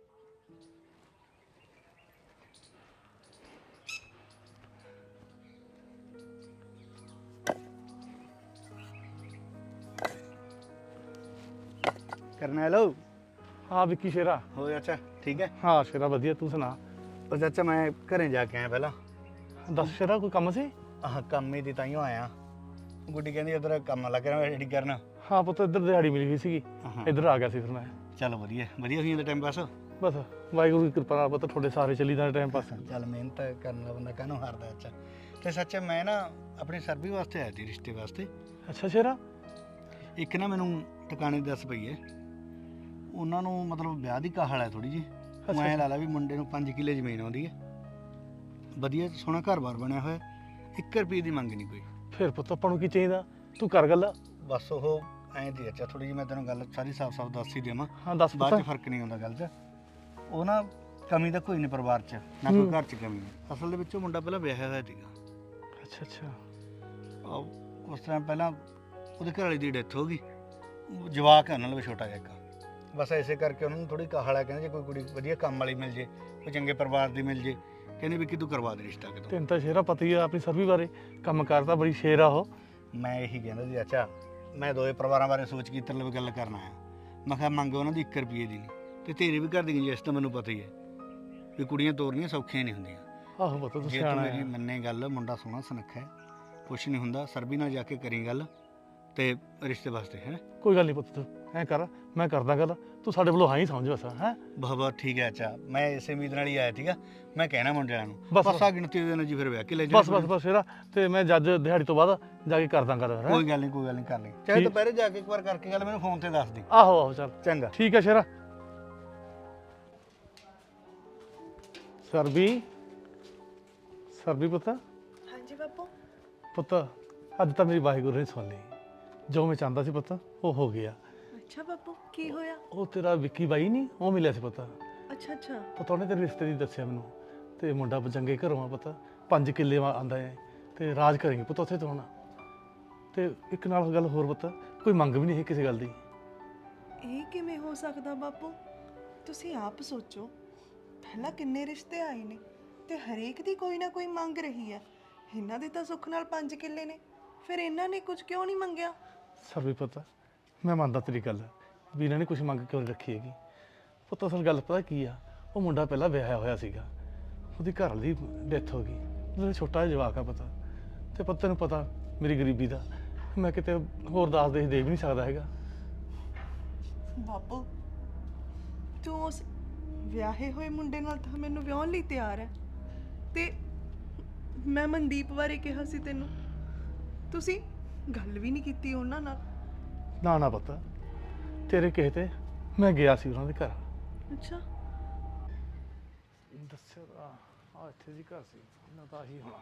D: ਕਰਨਾ ਹੈਲੋ।
G: ਹਾਂ ਵਿੱਕੀ ਸ਼ੇਰਾ।
D: ਹੋ ਚਾਚਾ ਠੀਕ ਹੈ?
G: ਹਾਂ ਸ਼ੇਰਾ ਵਧੀਆ, ਤੂੰ ਸੁਣਾ?
D: ਉਹ ਚਾਚਾ ਮੈਂ ਘਰੇ ਜਾ ਕੇ ਆਇਆ ਪਹਿਲਾਂ।
G: ਦੱਸ ਸ਼ੇਰਾ, ਕੋਈ ਕੰਮ ਸੀ?
D: ਆਹ ਕੰਮ ਹੀ ਦੀ ਤਾਈਓ ਆਇਆ। ਗੁੱਡੀ ਕਹਿੰਦੀ ਇੱਧਰ ਕੰਮ ਲੱਗ ਰਿਹਾ ਐਡੀ ਕਰਨ।
G: ਹਾਂ ਪੁੱਤ, ਇੱਧਰ ਦਿਹਾੜੀ ਮਿਲੀ ਹੋਈ ਸੀਗੀ, ਇੱਧਰ ਆ ਗਿਆ ਸੀ ਫਿਰ ਮੈਂ।
D: ਚੱਲ ਵਧੀਆ ਵਧੀਆ ਹੋਈ ਜਾਂਦਾ ਟਾਈਮ ਪਾਸ।
G: ਬਸ ਵਾਹਿਗੁਰੂ ਦੀ ਕਿਰਪਾ ਨਾਲ ਪੁੱਤ ਤੁਹਾਡੇ ਸਾਰੇ ਚੱਲੀ ਦਾ ਟਾਈਮ ਪਾਸ।
D: ਚੱਲ ਮਿਹਨਤ ਕਰਨ ਵਾਲਾ ਬੰਦਾ ਕਾਹਨੂੰ ਹਾਰਦਾ। ਅੱਛਾ ਤੇ ਸੱਚ ਮੈਂ ਨਾ ਆਪਣੀ ਸਰਬੀ ਵਾਸਤੇ ਆਇਆ ਸੀ, ਰਿਸ਼ਤੇ ਵਾਸਤੇ।
G: ਅੱਛਾ ਸ਼ੇਰਾ।
D: ਇੱਕ ਨਾ ਮੈਨੂੰ ਟਿਕਾਣੇ ਦੱਸ ਪਈ ਹੈ, ਉਹਨਾਂ ਨੂੰ ਮਤਲਬ ਵਿਆਹ ਦੀ ਕਾਹਲ ਹੈ ਥੋੜੀ ਜੀ। ਮੈਂ ਲਾ ਲਾ ਵੀ ਮੁੰਡੇ ਨੂੰ 5 ਕਿੱਲੇ ਜ਼ਮੀਨ ਆਉਂਦੀ ਹੈ, ਵਧੀਆ ਸੋਹਣਾ ਘਰ-ਬਾਰ ਬਣਿਆ ਹੋਇਆ, 1 ਰੁਪਏ ਦੀ ਮੰਗ ਨਹੀਂ ਕੋਈ।
G: ਫਿਰ ਪੁੱਤ ਆਪਾਂ ਨੂੰ ਕੀ ਚਾਹੀਦਾ, ਤੂੰ ਕਰ ਗੱਲ।
D: ਬਸ ਉਹ ਐਂ ਦੀ ਅੱਛਾ ਥੋੜੀ ਜਿਹੀ ਮੈਂ ਤੈਨੂੰ ਗੱਲ ਸਾਰੀ ਸਾਫ਼-ਸਾਫ਼ ਦੱਸ ਹੀ ਦੇਵਾਂ,
G: ਹਾਂ ਦੱਸ
D: ਬਾਅਦ
G: ਪੁੱਤ।
D: 'ਚ ਫਰਕ ਨਹੀਂ ਆਉਂਦਾ ਗੱਲ 'ਚ। ਉਹ ਨਾ ਕਮੀ ਤਾਂ ਕੋਈ ਨਹੀਂ ਪਰਿਵਾਰ 'ਚ, ਨਾ ਕੋਈ ਘਰ 'ਚ ਕਮੀ ਹੈ। ਅਸਲ ਦੇ ਵਿੱਚ ਉਹ ਮੁੰਡਾ ਪਹਿਲਾਂ ਵਿਆਹਿਆ ਹੋਇਆ ਸੀਗਾ।
G: ਅੱਛਾ ਅੱਛਾ।
D: ਉਸ ਤਰ੍ਹਾਂ ਪਹਿਲਾਂ ਉਹਦੇ ਘਰ ਵਾਲੀ ਦੀ ਡੈਥ ਹੋ ਗਈ, ਜਵਾਕ ਹੈ ਉਹਨਾਂ ਨਾਲ ਛੋਟਾ ਜਿਹਾ ਇੱਕ। ਬਸ ਐਸੇ ਕਰਕੇ ਉਹਨਾਂ ਨੂੰ ਥੋੜੀ ਕਾਹਲ ਹੈ, ਕਹਿੰਦੇ ਜੇ ਕੋਈ ਕੁੜੀ ਵਧੀਆ ਕੰਮ ਵਾਲੀ ਮਿਲ ਜੇ, ਕੋਈ ਚੰਗੇ ਪਰਿਵਾਰ ਦੀ ਮਿਲ ਜੇ, ਕਹਿੰਦੇ ਵੀ ਕਿ ਤੂੰ ਕਰਵਾ ਦੇ ਰਿਸ਼ਤਾ ਕਿਤੋਂ।
G: ਤੈਨੂੰ ਤਾਂ ਸ਼ੇਰਾ ਪਤਾ ਹੀ ਆ ਆਪਣੀ ਸਰਵੀ ਬਾਰੇ, ਕੰਮ ਕਰਦਾ ਬੜੀ ਸ਼ੇਰ ਆ ਉਹ।
D: ਮੈਂ ਇਹੀ ਕਹਿੰਦਾ ਸੀ ਅੱਛਾ, ਮੈਂ ਦੋਏ ਪਰਿਵਾਰਾਂ ਬਾਰੇ ਸੋਚ ਕੇ ਤੇਰੇ ਨਾਲ ਗੱਲ ਕਰਨ ਆਇਆ। ਮੈਂ ਕਿਹਾ ਮੰਗ ਉਹਨਾਂ ਦੀ 1 ਰੁਪਏ ਦੀ ਨਹੀਂ, ਤੇ ਤੇਰੇ ਵੀ ਘਰ ਦੀ ਗੁੰਜਾਇਸ਼ ਤਾਂ ਮੈਨੂੰ ਪਤਾ ਹੀ ਹੈ ਵੀ ਕੁੜੀਆਂ ਤੋਰਨੀਆਂ ਸੌਖੀਆਂ ਨਹੀਂ ਹੁੰਦੀਆਂ।
G: ਆਹੋ ਪੁੱਤ ਤੂੰ
D: ਜੇ ਤੂੰ
G: ਸਿਆਣਾ
D: ਮੇਰੀ
G: ਹੈ।
D: ਮੰਨੇ ਗੱਲ, ਮੁੰਡਾ ਸੋਹਣਾ ਸੁਨੱਖਾ ਹੈ, ਕੁਛ ਨਹੀਂ ਹੁੰਦਾ। ਸਰਬੀ ਨਾਲ ਜਾ ਕੇ ਕਰੀ ਗੱਲ, ਤੇ ਰਿਸ਼ਤੇ ਵਾਸਤੇ ਹੈ।
G: ਕੋਈ ਗੱਲ ਨਹੀਂ ਪੁੱਤ, ਤੂੰ ਐਂ ਕਰ, ਮੈਂ ਕਰਦਾ ਗੱਲ, ਤੂੰ ਸਾਡੇ ਵੱਲੋਂ ਹਾਂ ਹੀ ਸਮਝ ਬਸ ਹੈ।
D: ਬਹੁਤ ਠੀਕ ਹੈ। ਅੱਛਾ, ਮੈਂ ਇਸੇ ਉਮੀਦ ਨਾਲ ਹੀ ਆਇਆ ਸੀਗਾ। ਮੈਂ ਕਹਿਣਾ ਮੁੰਡਿਆਂ ਨੂੰ
G: ਬਸ,
D: ਬਸ ਆ ਗਿਣਤੀ ਦੇ ਦਿਨ ਜੀ ਫਿਰ ਵਿਆਹ ਕੇ ਲੈ
G: ਬਸ
D: ਜਾਣਾ।
G: ਬਸ ਬਸ ਫੇਰ ਤੇ ਮੈਂ ਜੱਜ ਦਿਹਾੜੀ ਤੋਂ ਬਾਅਦ ਜਾ ਕੇ ਕਰਦਾ ਗੱਲ ਹੈਂ?
D: ਕੋਈ ਗੱਲ ਨਹੀਂ, ਕੋਈ ਗੱਲ ਨਹੀਂ, ਕਰ ਲਈ। ਚਾਹੇ
G: ਠੀਕ।
D: ਦੁਪਹਿਰੇ ਜਾ ਕੇ ਇੱਕ ਵਾਰ ਕਰਕੇ ਗੱਲ ਮੈਨੂੰ ਫੋਨ ਤੇ ਦੱਸ ਦੀ।
G: ਆਹੋ ਆਹੋ ਚੱਲ
D: ਚੰਗਾ।
G: ਠੀਕ ਹੈ ਸ਼ੇਰਾ। ਸਰਬੀ ਪੁੱਤ,
E: ਹਾਂਜੀ ਬਾਪੂ।
G: ਪੁੱਤ ਅੱਜ ਤਾਂ ਮੇਰੀ ਵਾਹਿਗੁਰੂ ਨੇ ਸੁਣ ਲਈ। ਜੋ ਮੈਂ ਚਾਹੁੰਦਾ ਸੀ ਪੁੱਤ ਉਹ ਹੋ ਗਿਆ।
E: ਅੱਛਾ ਬਾਪੂ, ਕੀ ਹੋਇਆ?
G: ਉਹ ਤੇਰਾ ਵਿੱਕੀ ਬਾਈ ਨਹੀਂ, ਉਹ ਮਿਲਿਆ ਸੀ ਪੁੱਤ।
E: ਅੱਛਾ ਅੱਛਾ।
G: ਪਤਾ ਉਹਨੇ ਤੇਰੇ ਰਿਸ਼ਤੇ ਦੀ ਦੱਸਿਆ ਮੈਨੂੰ, ਤੇ ਮੁੰਡਾ ਚੰਗੇ ਘਰੋਂ ਆ ਪੁੱਤ, 5 ਕਿੱਲੇ ਆਂਦਾ ਹੈ ਤੇ ਰਾਜ ਕਰਾਂਗੇ ਪੁੱਤ ਉੱਥੇ ਤੋਂ ਹੁਣ। ਤੇ ਇੱਕ ਨਾਲ ਗੱਲ ਹੋਰ ਪੁੱਤ, ਕੋਈ ਮੰਗ ਵੀ ਨਹੀਂ ਹੈ ਕਿਸੇ ਗੱਲ ਦੀ।
E: ਇਹ ਕਿਵੇਂ ਹੋ ਸਕਦਾ ਬਾਪੂ? ਤੁਸੀਂ ਆਪ ਸੋਚੋ, ਪਹਿਲਾਂ ਕਿੰਨੇ ਰਿਸ਼ਤੇ ਆਏ ਨੇ ਤੇ ਹਰੇਕ ਦੀ ਕੋਈ ਨਾ ਕੋਈ ਮੰਗ ਰਹੀ ਹੈ। ਇਹਨਾਂ ਦੇ ਤਾਂ ਸੁੱਖ ਨਾਲ 5 ਕਿੱਲੇ ਨੇ, ਫਿਰ ਇਹਨਾਂ ਨੇ ਕੁਝ ਕਿਉਂ ਨਹੀਂ ਮੰਗਿਆ?
G: ਸਰਬੀ ਪੁੱਤ, ਮੈਂ ਮੰਨਦਾ ਤੇਰੀ ਗੱਲ ਵੀ ਇਹਨਾਂ ਨੇ ਕੁਝ ਮੰਗ ਕਿਉਂ ਨਹੀਂ ਰੱਖੀ ਹੈਗੀ। ਪੁੱਤ ਅਸਲ ਗੱਲ ਪਤਾ ਕੀ ਆ, ਉਹ ਮੁੰਡਾ ਪਹਿਲਾਂ ਵਿਆਹਿਆ ਹੋਇਆ ਸੀਗਾ, ਉਹਦੀ ਘਰ ਵਾਲੀ ਦੀ ਡੈਥ ਹੋ ਗਈ, ਉਹਦਾ ਛੋਟਾ ਜਿਹਾ ਜਵਾਕ ਆ ਪਤਾ। ਤੇ ਪੁੱਤ ਤੈਨੂੰ ਪਤਾ ਮੇਰੀ ਗਰੀਬੀ ਦਾ, ਮੈਂ ਕਿਤੇ ਹੋਰ ਦਾਸ ਦੇ ਵੀ ਨਹੀਂ ਸਕਦਾ ਹੈਗਾ।
E: ਬਾਪੂ, ਤੂੰ ਉਸ ਵਿਆਹੇ ਹੋਏ ਮੁੰਡੇ ਨਾਲ ਤਾਂ ਮੈਨੂੰ ਵਿਆਹਣ ਲਈ ਤਿਆਰ ਹੈ, ਤੇ ਮੈਂ ਮਨਦੀਪ ਬਾਰੇ ਕਿਹਾ ਸੀ ਤੈਨੂੰ, ਤੁਸੀਂ ਗੱਲ ਵੀ ਨਹੀਂ ਕੀਤੀ ਉਹਨਾਂ ਨਾਲ।
G: ਨਾ ਨਾ ਪੁੱਤ, ਤੇਰੇ ਕਹੇ ਤੇ ਮੈਂ ਗਿਆ ਸੀ ਉਹਨਾਂ ਦੇ ਘਰ।
E: ਅੱਛਾ।
G: ਦੱਸਿਆ ਤਾਂ ਆ ਇੱਥੇ ਦੀ ਘਰ ਸੀ, ਇਹਨਾਂ ਦਾ ਹੀ ਹੋਣਾ।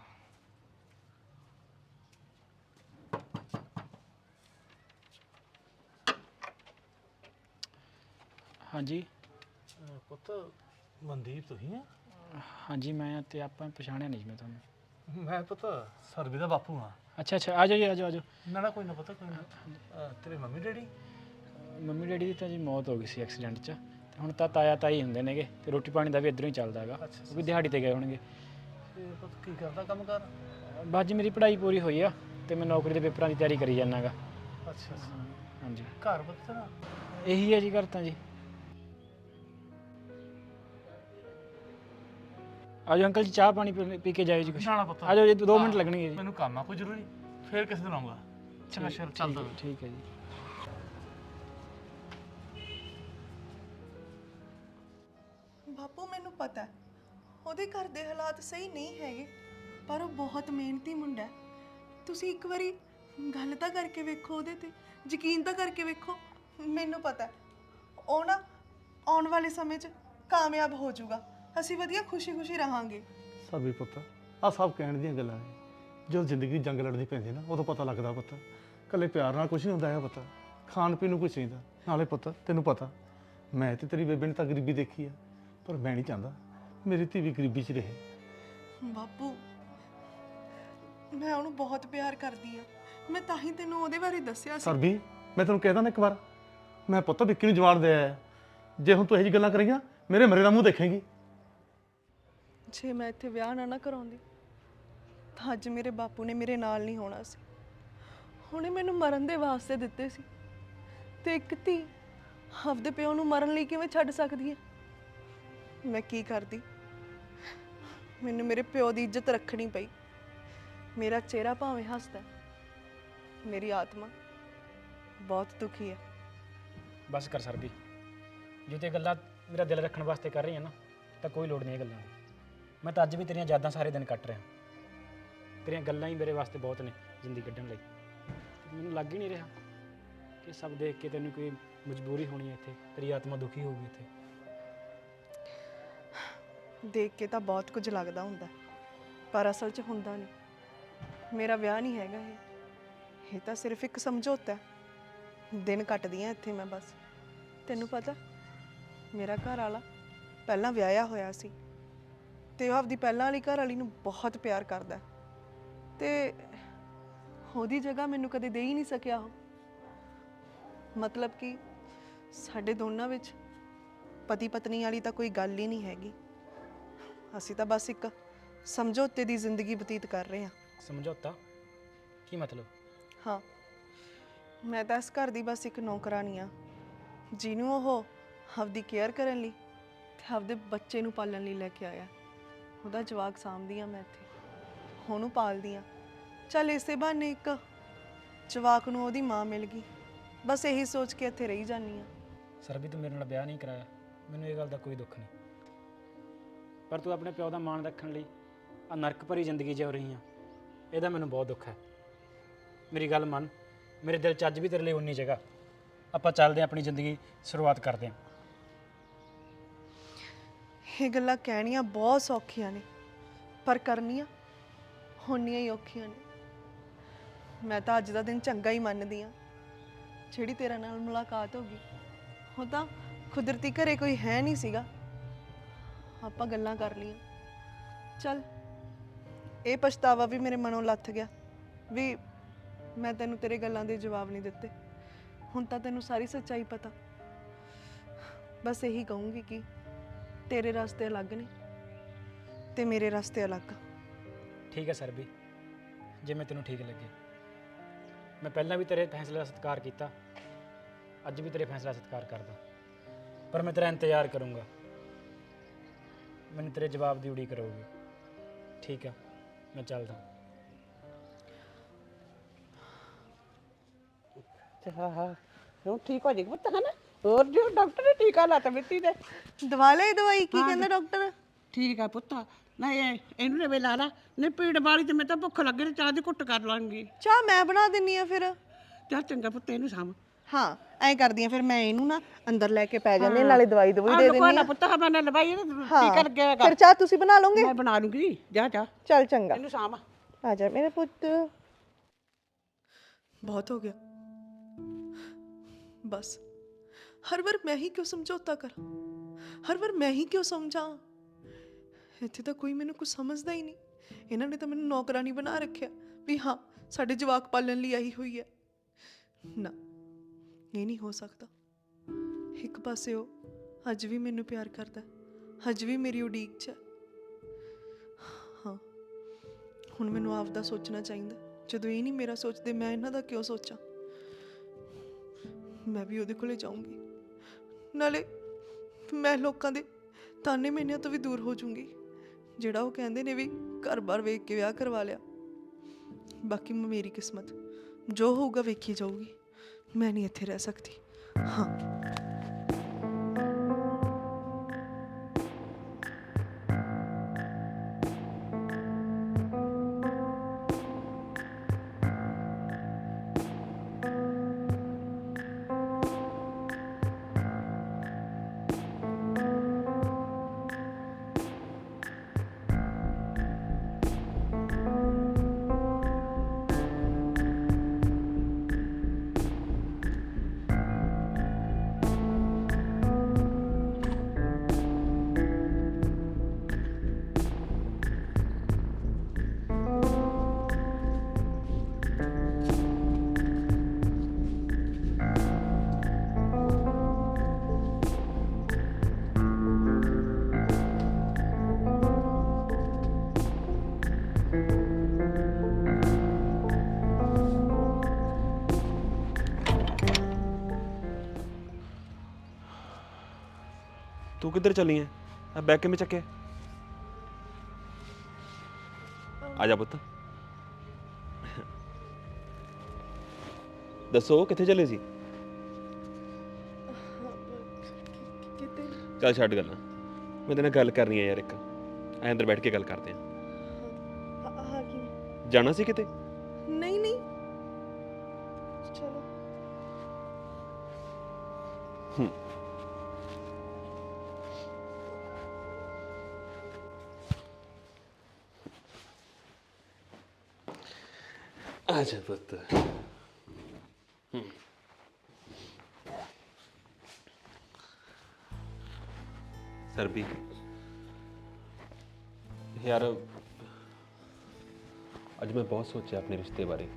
F: ਹਾਂਜੀ
G: ਪੁੱਤ ਮਨਦੀਪ ਤੁਸੀਂ ਆ?
F: ਹਾਂਜੀ ਮੈਂ ਤੇ ਆਪਾਂ ਪਛਾਣਿਆ ਨਹੀਂ ਜੀ ਮੈਂ ਤੁਹਾਨੂੰ।
G: ਮੈਂ ਪੁੱਤ ਸਰਬੀ ਦਾ ਬਾਪੂ ਹਾਂ।
F: ਅੱਛਾ ਅੱਛਾ, ਆ ਜਾਓ ਜੀ, ਆ ਜਾਓ ਆ ਜਾਓ।
G: ਨਾ ਨਾ ਕੋਈ ਨਾ ਪਤਾ, ਕੋਈ ਨਾ। ਤੇਰੇ ਮੰਮੀ ਡੈਡੀ?
F: ਮੰਮੀ ਡੈਡੀ ਦੀ ਤਾਂ ਜੀ ਮੌਤ ਹੋ ਗਈ ਸੀ ਐਕਸੀਡੈਂਟ 'ਚ, ਤੇ ਹੁਣ ਤਾਂ ਤਾਇਆ ਤਾਈ ਹੁੰਦੇ ਨੇਗੇ, ਤੇ ਰੋਟੀ ਪਾਣੀ ਦਾ ਵੀ ਇੱਧਰੋਂ ਹੀ ਚੱਲਦਾ ਹੈਗਾ। ਉਹ ਵੀ ਦਿਹਾੜੀ ਤੇ ਗਏ ਹੋਣਗੇ।
G: ਤੇ ਪੁੱਤ ਕੀ ਕਰਦਾ ਕੰਮ ਕਰ?
F: ਬਸ ਜੀ ਮੇਰੀ ਪੜ੍ਹਾਈ ਪੂਰੀ ਹੋਈ ਆ, ਤੇ ਮੈਂ ਨੌਕਰੀ ਦੇ ਪੇਪਰਾਂ ਦੀ ਤਿਆਰੀ ਕਰੀ ਜਾਂਦਾ ਗਾ।
G: ਅੱਛਾ ਅੱਛਾ।
F: ਹਾਂਜੀ,
G: ਘਰ ਪੁੱਤ ਨਾ
F: ਇਹੀ ਹੈ ਜੀ ਘਰ ਤਾਂ ਜੀ। ਆਜੋ ਅੰਕਲ ਜੀ, ਚਾਹ ਪਾਣੀ ਪੀ ਕੇ ਜਾਇਓ ਜੀ ਕੁਛ।
G: ਨਾ ਪੁੱਤ,
F: ਆ ਜਾਓ ਜੀ, 2 ਮਿੰਟ ਲੱਗਣਗੇ ਜੀ।
G: ਮੈਨੂੰ ਕੰਮ ਆ ਕੋਈ ਜ਼ਰੂਰੀ, ਫੇਰ ਕਿਸੇ ਦਿਨ ਆਉਂਗਾ। ਚੰਗਾ ਸ਼ਰ, ਚੱਲਦਾ ਮੈਂ।
F: ਠੀਕ ਹੈ ਜੀ।
E: ਬਾਪੂ, ਮੈਨੂੰ ਪਤਾ ਹੈ ਉਹਦੇ ਘਰ ਦੇ ਹਾਲਾਤ ਸਹੀ ਨਹੀਂ ਹੈਗੇ, ਪਰ ਉਹ ਬਹੁਤ ਮਿਹਨਤੀ ਮੁੰਡਾ ਹੈ। ਤੁਸੀਂ ਇੱਕ ਵਾਰੀ ਗੱਲ ਤਾਂ ਕਰਕੇ ਵੇਖੋ, ਉਹਦੇ ਤੇ ਯਕੀਨ ਤਾਂ ਕਰਕੇ ਵੇਖੋ। ਮੈਨੂੰ ਪਤਾ ਹੈ ਉਹ ਨਾ ਆਉਣ ਵਾਲੇ ਸਮੇਂ 'ਚ ਕਾਮਯਾਬ ਹੋ ਜਾਊਗਾ, ਅਸੀਂ ਵਧੀਆ ਖੁਸ਼ੀ-ਖੁਸ਼ੀ ਰਹਾਂਗੇ।
G: ਸਰਬੀ ਪੁੱਤ, ਆ ਸਭ ਕਹਿਣ ਦੀਆਂ ਗੱਲਾਂ ਨੇ। ਜਦੋਂ ਜ਼ਿੰਦਗੀ ਜੰਗ ਲੜਨੀ ਪੈਂਦੀ ਨਾ, ਉਦੋਂ ਪਤਾ ਲੱਗਦਾ ਪੁੱਤ। ਇਕੱਲੇ ਪਿਆਰ ਨਾਲ ਕੁਝ ਨਹੀਂ ਹੁੰਦਾ ਹੈ ਪੁੱਤ, ਖਾਣ ਪੀਣ ਨੂੰ ਕੁਝ ਚਾਹੀਦਾ। ਨਾਲੇ ਪੁੱਤ ਤੈਨੂੰ ਪਤਾ, ਮੈਂ ਤੇ ਤੇਰੀ ਬੇਬੇ ਨੇ ਤਾਂ ਗਰੀਬੀ ਦੇਖੀ ਆ, ਪਰ ਮੈਂ ਨਹੀਂ ਚਾਹੁੰਦਾ ਮੇਰੀ ਧੀ ਵੀ ਗਰੀਬੀ 'ਚ ਰਹੇ।
E: ਬਾਪੂ, ਮੈਂ ਉਹਨੂੰ ਬਹੁਤ ਪਿਆਰ ਕਰਦੀ ਆ, ਮੈਂ ਤਾਂ ਹੀ ਤੈਨੂੰ ਉਹਦੇ ਬਾਰੇ ਦੱਸਿਆ ਸੀ।
G: ਸਰਬੀ, ਮੈਂ ਤੈਨੂੰ ਕਹਿ ਦਾਂ ਨਾ ਇੱਕ ਵਾਰ, ਮੈਂ ਪੁੱਤ ਵਿੱਕੀ ਨੂੰ ਜਵਾਨ ਦੇ ਆਇਆ। ਜੇ ਹੁਣ ਤੂੰ ਇਹੋ ਜਿਹੀ ਗੱਲਾਂ ਕਰੇਂਗਾ, ਮੇਰੇ ਮਰੇ ਦਾ ਮੂੰਹ ਦੇਖੇਂਗੀ।
E: ਜੇ ਮੈਂ ਇੱਥੇ ਵਿਆਹ ਨਾ ਕਰਾਉਂਦੀ ਤਾਂ ਅੱਜ ਮੇਰੇ ਬਾਪੂ ਨੇ ਮੇਰੇ ਨਾਲ ਨਹੀਂ ਹੋਣਾ ਸੀ। ਉਹਨੇ ਮੈਨੂੰ ਮਰਨ ਦੇ ਵਾਸਤੇ ਦਿੱਤੇ ਸੀ, ਤੇ ਇੱਕ ਧੀ ਆਪਦੇ ਪਿਓ ਨੂੰ ਮਰਨ ਲਈ ਕਿਵੇਂ ਛੱਡ ਸਕਦੀ ਹੈ? ਮੈਂ ਕੀ ਕਰਦੀ? ਮੈਨੂੰ ਮੇਰੇ ਪਿਓ ਦੀ ਇੱਜ਼ਤ ਰੱਖਣੀ ਪਈ। ਮੇਰਾ ਚਿਹਰਾ ਭਾਵੇਂ ਹੱਸਦਾ, ਮੇਰੀ ਆਤਮਾ ਬਹੁਤ ਦੁਖੀ ਹੈ।
F: ਬਸ ਕਰ ਸਰਦੀ, ਜੇ ਤੇ ਗੱਲਾਂ ਮੇਰਾ ਦਿਲ ਰੱਖਣ ਵਾਸਤੇ ਕਰ ਰਹੀ ਹੈ ਨਾ, ਤਾਂ ਕੋਈ ਲੋੜ ਨਹੀਂ ਇਹ ਗੱਲਾਂ ਦੀ। ਮੈਂ ਤਾਂ ਅੱਜ ਵੀ ਤੇਰੀਆਂ ਯਾਦਾਂ ਸਾਰੇ ਦਿਨ ਕੱਟ ਰਿਹਾ। ਤੇਰੀਆਂ ਗੱਲਾਂ ਹੀ ਮੇਰੇ ਵਾਸਤੇ ਬਹੁਤ ਨੇ ਜ਼ਿੰਦਗੀ ਕੱਢਣ ਲਈ। ਮੈਨੂੰ ਲੱਗ ਹੀ ਨਹੀਂ ਰਿਹਾ ਕਿ ਸਭ ਦੇਖ ਕੇ ਤੈਨੂੰ ਕੋਈ ਮਜਬੂਰੀ ਹੋਣੀ ਹੈ ਇੱਥੇ, ਤੇਰੀ ਆਤਮਾ ਦੁਖੀ ਹੋਊਗੀ ਇੱਥੇ।
E: ਦੇਖ ਕੇ ਤਾਂ ਬਹੁਤ ਕੁਝ ਲੱਗਦਾ ਹੁੰਦਾ, ਪਰ ਅਸਲ 'ਚ ਹੁੰਦਾ ਨਹੀਂ। ਮੇਰਾ ਵਿਆਹ ਨਹੀਂ ਹੈਗਾ ਇਹ ਤਾਂ ਸਿਰਫ ਇੱਕ ਸਮਝੌਤਾ ਹੈ। ਦਿਨ ਕੱਟਦੀ ਹਾਂ ਇੱਥੇ ਮੈਂ ਬਸ। ਤੈਨੂੰ ਪਤਾ, ਮੇਰਾ ਘਰ ਵਾਲਾ ਪਹਿਲਾਂ ਵਿਆਹਿਆ ਹੋਇਆ ਸੀ, ਤੇ ਉਹ ਆਪਦੀ ਪਹਿਲਾਂ ਵਾਲੀ ਘਰ ਵਾਲੀ ਨੂੰ ਬਹੁਤ ਪਿਆਰ ਕਰਦਾ, ਤੇ ਉਹਦੀ ਜਗ੍ਹਾ ਮੈਨੂੰ ਕਦੇ ਦੇ ਹੀ ਨਹੀਂ ਸਕਿਆ ਉਹ। ਮਤਲਬ ਕਿ ਸਾਡੇ ਦੋਨਾਂ ਵਿੱਚ ਪਤੀ ਪਤਨੀ ਵਾਲੀ ਤਾਂ ਕੋਈ ਗੱਲ ਹੀ ਨਹੀਂ ਹੈਗੀ। ਅਸੀਂ ਤਾਂ ਬਸ ਇੱਕ ਸਮਝੌਤੇ ਦੀ ਜ਼ਿੰਦਗੀ ਬਤੀਤ ਕਰ ਰਹੇ ਹਾਂ।
F: ਸਮਝੌਤਾ ਕੀ ਮਤਲਬ?
E: ਹਾਂ, ਮੈਂ ਤਾਂ ਇਸ ਘਰ ਦੀ ਬਸ ਇੱਕ ਨੌਕਰਾਨੀ ਆ, ਜਿਹਨੂੰ ਉਹ ਆਪਦੀ ਕੇਅਰ ਕਰਨ ਲਈ ਤੇ ਆਪਦੇ ਬੱਚੇ ਨੂੰ ਪਾਲਣ ਲਈ ਲੈ ਕੇ ਆਇਆ। ਉਹਦਾ ਜਵਾਕ ਸਾਂਭਦੀ ਆ ਮੈਂ ਇੱਥੇ, ਉਹਨੂੰ ਪਾਲਦੀ ਆ। ਚੱਲ ਇਸੇ ਬਹਾਨੇ ਇੱਕ ਜਵਾਕ ਨੂੰ ਉਹਦੀ ਮਾਂ ਮਿਲ ਗਈ। ਬਸ ਇਹੀ ਸੋਚ ਕੇ ਇੱਥੇ ਰਹੀ ਜਾਂਦੀ ਆ।
F: ਸਰ ਵੀ ਤੂੰ ਮੇਰੇ ਨਾਲ ਵਿਆਹ ਨਹੀਂ ਕਰਾਇਆ, ਮੈਨੂੰ ਇਹ ਗੱਲ ਦਾ ਕੋਈ ਦੁੱਖ ਨਹੀਂ, ਪਰ ਤੂੰ ਆਪਣੇ ਪਿਓ ਦਾ ਮਾਣ ਰੱਖਣ ਲਈ ਆ ਨਰਕ ਭਰੀ ਜ਼ਿੰਦਗੀ ਜਿਉ ਰਹੀ ਆ, ਇਹਦਾ ਮੈਨੂੰ ਬਹੁਤ ਦੁੱਖ ਹੈ। ਮੇਰੀ ਗੱਲ ਮੰਨ, ਮੇਰੇ ਦਿਲ 'ਚ ਅੱਜ ਵੀ ਤੇਰੇ ਲਈ ਉਨੀ ਜਗ੍ਹਾ। ਆਪਾਂ ਚੱਲਦੇ ਹਾਂ, ਆਪਣੀ ਜ਼ਿੰਦਗੀ ਸ਼ੁਰੂਆਤ ਕਰਦੇ ਹਾਂ।
E: ਇਹ ਗੱਲਾਂ ਕਹਿਣੀਆਂ ਬਹੁਤ ਸੌਖੀਆਂ ਨੇ, ਪਰ ਕਰਨੀਆਂ ਹੋਣੀਆਂ ਹੀ ਔਖੀਆਂ ਨੇ। ਮੈਂ ਤਾਂ ਅੱਜ ਦਾ ਦਿਨ ਚੰਗਾ ਹੀ ਮੰਨਦੀ ਆ, ਜਿਹੜੀ ਤੇਰੇ ਨਾਲ ਮੁਲਾਕਾਤ ਹੋ ਗਈ। ਉਹ ਤਾਂ ਕੁਦਰਤੀ ਘਰੇ ਕੋਈ ਹੈ ਨਹੀਂ ਸੀਗਾ, ਆਪਾਂ ਗੱਲਾਂ ਕਰ ਲਈਆਂ। ਚੱਲ ਇਹ ਪਛਤਾਵਾ ਵੀ ਮੇਰੇ ਮਨੋਂ ਲੱਥ ਗਿਆ ਵੀ ਮੈਂ ਤੈਨੂੰ ਤੇਰੇ ਗੱਲਾਂ ਦੇ ਜਵਾਬ ਨਹੀਂ ਦਿੱਤੇ। ਹੁਣ ਤਾਂ ਤੈਨੂੰ ਸਾਰੀ ਸੱਚਾਈ ਪਤਾ। ਬਸ ਇਹੀ ਕਹੂੰਗੀ ਕਿ ਤੇਰੇ ਰਸਤੇ ਅਲੱਗ ਨੇ ਤੇ ਮੇਰੇ ਰਸਤੇ ਅਲੱਗ।
F: ਠੀਕ ਹੈ ਸਰ ਵੀ, ਜਿਵੇਂ ਤੈਨੂੰ ਠੀਕ ਲੱਗੇ। ਮੈਂ ਪਹਿਲਾਂ ਵੀ ਤੇਰੇ ਫੈਸਲੇ ਦਾ ਸਤਿਕਾਰ ਕੀਤਾ, ਅੱਜ ਵੀ ਤੇਰੇ ਫੈਸਲੇ ਦਾ ਸਤਿਕਾਰ ਕਰਦਾ, ਪਰ ਮੈਂ ਤੇਰਾ ਇੰਤਜ਼ਾਰ ਕਰੂੰਗਾ। ਮੈਨੂੰ ਤੇਰੇ ਜਵਾਬ ਦੀ ਉਡੀਕ ਕਰੂਗੀ। ਠੀਕ ਹੈ, ਮੈਂ ਚੱਲਦਾ।
C: ਹਾਂ ਹੁਣ ਠੀਕ ਹੋ ਜਾਏਗੀ ਪੁੱਤ, ਹੈ ਨਾ? ਹੋਰ ਜੋ ਡਾਕਟਰ ਨੇ ਟੀਕਾ ਲਾਤਾ ਮਿੱਟੀ ਦੇ।
E: ਦਵਾ ਲਈ ਦਵਾਈ, ਕੀ ਕਹਿੰਦਾ ਡਾਕਟਰ?
C: ਠੀਕ ਆ ਪੁੱਤ, ਨਾ ਇਹਨੂੰ ਨੇ ਵੇ ਲਾ ਲਾ, ਨਹੀਂ ਪੀੜ ਵਾਲੀ ਤੇ ਮੈਂ ਤਾਂ ਭੁੱਖ ਲੱਗੇ ਤੇ ਚਾਹ ਦੀ ਘੁੱਟ ਕਰ ਲਾਂਗੀ।
E: ਚਾਹ ਮੈਂ ਬਣਾ ਦਿੰਨੀ ਆ ਫਿਰ।
C: ਚੱਲ ਚੰਗਾ ਪੁੱਤ, ਇਹਨੂੰ ਸਾਂਭ।
E: ਹਾਂ ਐਂ ਕਰਦੀ ਆ ਫਿਰ, ਮੈਂ ਇਹਨੂੰ ਨਾ ਅੰਦਰ ਲੈ ਕੇ ਪੈ ਜਾਂਦੀ, ਨਾਲੇ ਦਵਾਈ ਦਵਾਈ ਦੇ ਦਿੰਨੀ
C: ਨਾ
E: ਆ।
C: ਪੁੱਤ ਹਾਂ ਮੈਂ ਲਵਾਈ ਟੀਕਾ ਲੱਗਿਆ ਹੈਗਾ।
E: ਫਿਰ ਚਾਹ ਤੁਸੀਂ ਬਣਾ ਲਓਗੇ?
C: ਮੈਂ ਬਣਾ ਲੂੰਗੀ, ਜਾ ਜਾ
E: ਚੱਲ ਚੰਗਾ,
C: ਇਹਨੂੰ ਸਾਂਭ।
E: ਆ ਜਾ ਮੇਰੇ ਪੁੱਤ। ਬਹੁਤ ਹੋ ਗਿਆ, ਬਸ ਹਰ ਵਾਰ ਮੈਂ ਹੀ ਕਿਉਂ ਸਮਝੌਤਾ ਕਰਾਂ, ਹਰ ਵਾਰ ਮੈਂ ਹੀ ਕਿਉਂ ਸਮਝਾਂ। ਇੱਥੇ ਤਾਂ ਕੋਈ ਮੈਨੂੰ ਕੁਝ ਸਮਝਦਾ ਹੀ ਨਹੀਂ। ਇਹਨਾਂ ਨੇ ਤਾਂ ਮੈਨੂੰ ਨੌਕਰਾਨੀ ਬਣਾ ਰੱਖਿਆ ਵੀ ਹਾਂ ਸਾਡੇ ਜਵਾਕ ਪਾਲਣ ਲਈ ਆਈ ਹੋਈ ਹੈ। ਨਾ, ਇਹ ਨਹੀਂ ਹੋ ਸਕਦਾ। ਇੱਕ ਪਾਸੇ ਉਹ ਅੱਜ ਵੀ ਮੈਨੂੰ ਪਿਆਰ ਕਰਦਾ, ਅੱਜ ਵੀ ਮੇਰੀ ਉਡੀਕ 'ਚ ਹੈ। ਹਾਂ, ਹੁਣ ਮੈਨੂੰ ਆਪ ਦਾ ਸੋਚਣਾ ਚਾਹੀਦਾ। ਜਦੋਂ ਇਹ ਨਹੀਂ ਮੇਰਾ ਸੋਚਦੇ, ਮੈਂ ਇਹਨਾਂ ਦਾ ਕਿਉਂ ਸੋਚਾਂ? ਮੈਂ ਵੀ ਉਹਦੇ ਕੋਲੇ ਜਾਊਂਗੀ, ਨਾਲੇ ਮੈਂ ਲੋਕਾਂ ਦੇ ਤਾਨੇ ਮੈਨਿਆਂ ਤੋਂ ਵੀ ਦੂਰ ਹੋ ਜਾਊਂਗੀ। ਜਿਹੜਾ ਉਹ ਕਹਿੰਦੇ ਨੇ ਵੀ ਘਰ-ਬਾਰ ਵੇਖ ਕੇ ਵਿਆਹ ਕਰਵਾ ਲਿਆ। ਬਾਕੀ ਮੇਰੀ ਕਿਸਮਤ, ਜੋ ਹੋਊਗਾ ਵੇਖੀ ਜਾਊਗੀ। ਮੈਂ ਨਹੀਂ ਇੱਥੇ ਰਹਿ ਸਕਦੀ। ਹਾਂ,
B: ਤੂੰ ਕਿੱਧਰ ਚੱਲੀ ਐ? ਆ ਬੈਗ ਕਿਵੇਂ ਚੱਕਿਆ? ਆ ਜਾ ਪੁੱਤ। ਦੱਸੋ ਕਿੱਥੇ ਚੱਲੇ ਸੀ?
E: ਕਿਤੇ
B: ਚੱਲ ਛੱਡ ਗੱਲਾਂ, ਮੈਂ ਤੇਰੇ ਨਾਲ ਗੱਲ ਕਰਨੀ ਆ ਯਾਰ। ਇੱਕ ਐ ਅੰਦਰ ਬੈਠ ਕੇ ਗੱਲ ਕਰਦੇ ਆ।
E: ਹਾਂ ਕੀ?
B: ਜਾਣਾ ਸੀ ਕਿਤੇ?
E: ਨਹੀਂ ਨਹੀਂ, ਚਲੋ।
B: ਆ ਜਾ ਪੁੱਤ। ਸਰਬੀ ਯਾਰ, ਅੱਜ ਮੈਂ ਬਹੁਤ ਸੋਚਿਆ ਆਪਣੇ ਰਿਸ਼ਤੇ ਬਾਰੇ।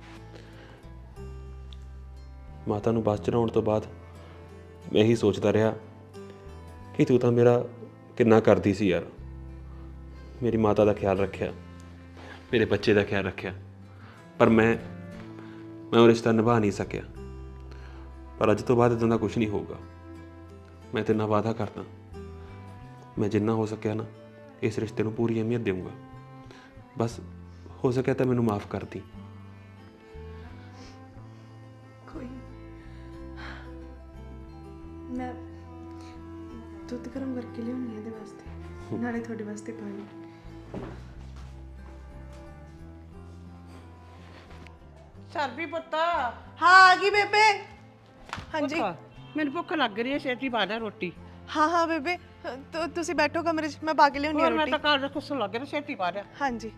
B: ਮਾਤਾ ਨੂੰ ਬੱਸ ਚੜਾਉਣ ਤੋਂ ਬਾਅਦ ਮੈਂ ਇਹੀ ਸੋਚਦਾ ਰਿਹਾ ਕਿ ਤੂੰ ਤਾਂ ਮੇਰਾ ਕਿੰਨਾ ਕਰਦੀ ਸੀ ਯਾਰ। ਮੇਰੀ ਮਾਤਾ ਦਾ ਖਿਆਲ ਰੱਖਿਆ, ਮੇਰੇ ਬੱਚੇ ਦਾ ਖਿਆਲ ਰੱਖਿਆ, ਪਰ ਮੈਂ ਉਹ ਰਿਸ਼ਤਾ ਨਿਭਾ ਨਹੀਂ ਸਕਿਆ। ਪਰ ਅੱਜ ਤੋਂ ਬਾਅਦ ਇੱਦਾਂ ਦਾ ਕੁਝ ਨਹੀਂ ਹੋਊਗਾ। ਮੈਂ ਤੇਰੇ ਨਾਲ ਵਾਅਦਾ ਕਰਦਾ, ਮੈਂ ਜਿੰਨਾ ਹੋ ਸਕਿਆ ਨਾ ਇਸ ਰਿਸ਼ਤੇ ਨੂੰ ਪੂਰੀ ਅਹਿਮੀਅਤ ਦੇਵਾਂਗਾ। ਬਸ ਹੋ ਸਕਿਆ ਤਾਂ ਮੈਨੂੰ ਮਾਫ ਕਰ ਦੀ।
A: ਨਾਲੇ ਤੁਹਾਡੇ ਵਾਸਤੇ ਪਾਣੀ।
C: ਸਰਬੀ ਪੁੱਤ
A: ਹਾਂ ਆ ਗਈ ਬੇਬੇ। ਹਾਂਜੀ
C: ਪੁੱਤ, ਮੈਨੂੰ ਭੁੱਖ ਲੱਗ ਰਹੀ ਹੈ, ਛੇਤੀ ਪਾ ਦੇ ਰੋਟੀ।
A: ਹਾਂ ਹਾਂ ਬੇਬੇ, ਤੁਸੀਂ ਬੈਠੋ ਕਮਰੇ 'ਚ, ਮੈਂ ਪਾ ਕੇ ਲਿਆਉਣੀ ਆ
C: ਹੋਰ ਮੈਂ
A: ਰੋਟੀ।
C: ਤਾਂ ਘਰ ਦਾ ਕੁਛ ਲੱਗ ਰਿਹਾ, ਛੇਤੀ ਪਾ ਦੇ।
A: ਹਾਂਜੀ।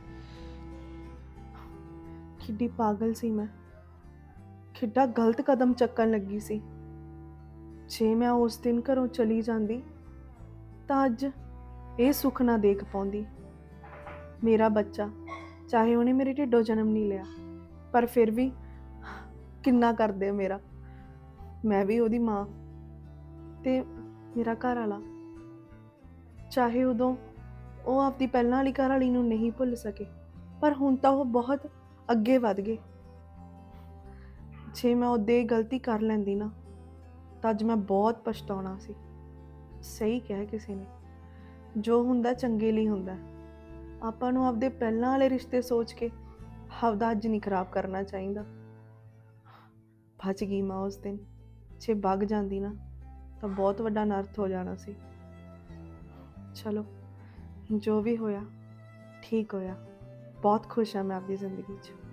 A: ਕਿੱਡੀ ਪਾਗਲ ਸੀ ਮੈਂ, ਕਿੱਡਾ ਗਲਤ ਕਦਮ ਚੱਕਣ ਲੱਗੀ ਸੀ। ਜੇ ਮੈਂ ਉਸ ਦਿਨ ਘਰੋਂ ਚਲੀ ਜਾਂਦੀ ਤਾਂ ਅੱਜ ਇਹ ਸੁੱਖ ਨਾ ਦੇਖ ਪਾਉਂਦੀ। ਮੇਰਾ ਬੱਚਾ, ਚਾਹੇ ਉਹਨੇ ਮੇਰੇ ਢਿੱਡੋਂ ਜਨਮ ਨਹੀਂ ਲਿਆ, ਪਰ ਫਿਰ ਵੀ ਕਿੰਨਾ ਕਰਦੇ ਮੇਰਾ। ਮੈਂ ਵੀ ਉਹਦੀ ਮਾਂ, ਤੇ ਮੇਰਾ ਘਰ ਵਾਲਾ, ਚਾਹੇ ਉਦੋਂ ਉਹ ਆਪਦੀ ਪਹਿਲਾਂ ਵਾਲੀ ਘਰ ਵਾਲੀ ਨੂੰ ਨਹੀਂ ਭੁੱਲ ਸਕੇ, ਪਰ ਹੁਣ ਤਾਂ ਉਹ ਬਹੁਤ ਅੱਗੇ ਵਧ ਗਏ। ਜੇ ਮੈਂ ਉਹਦੇ ਇਹ ਗਲਤੀ ਕਰ ਲੈਂਦੀ ਨਾ ਤਾਂ ਅੱਜ ਮੈਂ ਬਹੁਤ ਪਛਤਾਉਣਾ ਸੀ। ਸਹੀ ਕਿਹਾ ਕਿਸੇ ਨੇ, ਜੋ ਹੁੰਦਾ ਚੰਗੇ ਲਈ ਹੁੰਦਾ। ਆਪਾਂ ਨੂੰ ਆਪਦੇ ਪਹਿਲਾਂ ਵਾਲੇ ਰਿਸ਼ਤੇ ਸੋਚ ਕੇ ਆਪਦਾ ਅੱਜ ਨਹੀਂ ਖਰਾਬ ਕਰਨਾ ਚਾਹੀਦਾ। ਬਚ ਗਈ ਮੈਂ ਉਸ ਦਿਨ, ਜੇ ਵਗ ਜਾਂਦੀ ਨਾ ਤਾਂ ਬਹੁਤ ਵੱਡਾ ਅਨਰਥ ਹੋ ਜਾਣਾ ਸੀ। ਚਲੋ ਜੋ ਵੀ ਹੋਇਆ ਠੀਕ ਹੋਇਆ। ਬਹੁਤ ਖੁਸ਼ ਹਾਂ ਮੈਂ ਆਪਦੀ ਜ਼ਿੰਦਗੀ 'ਚ।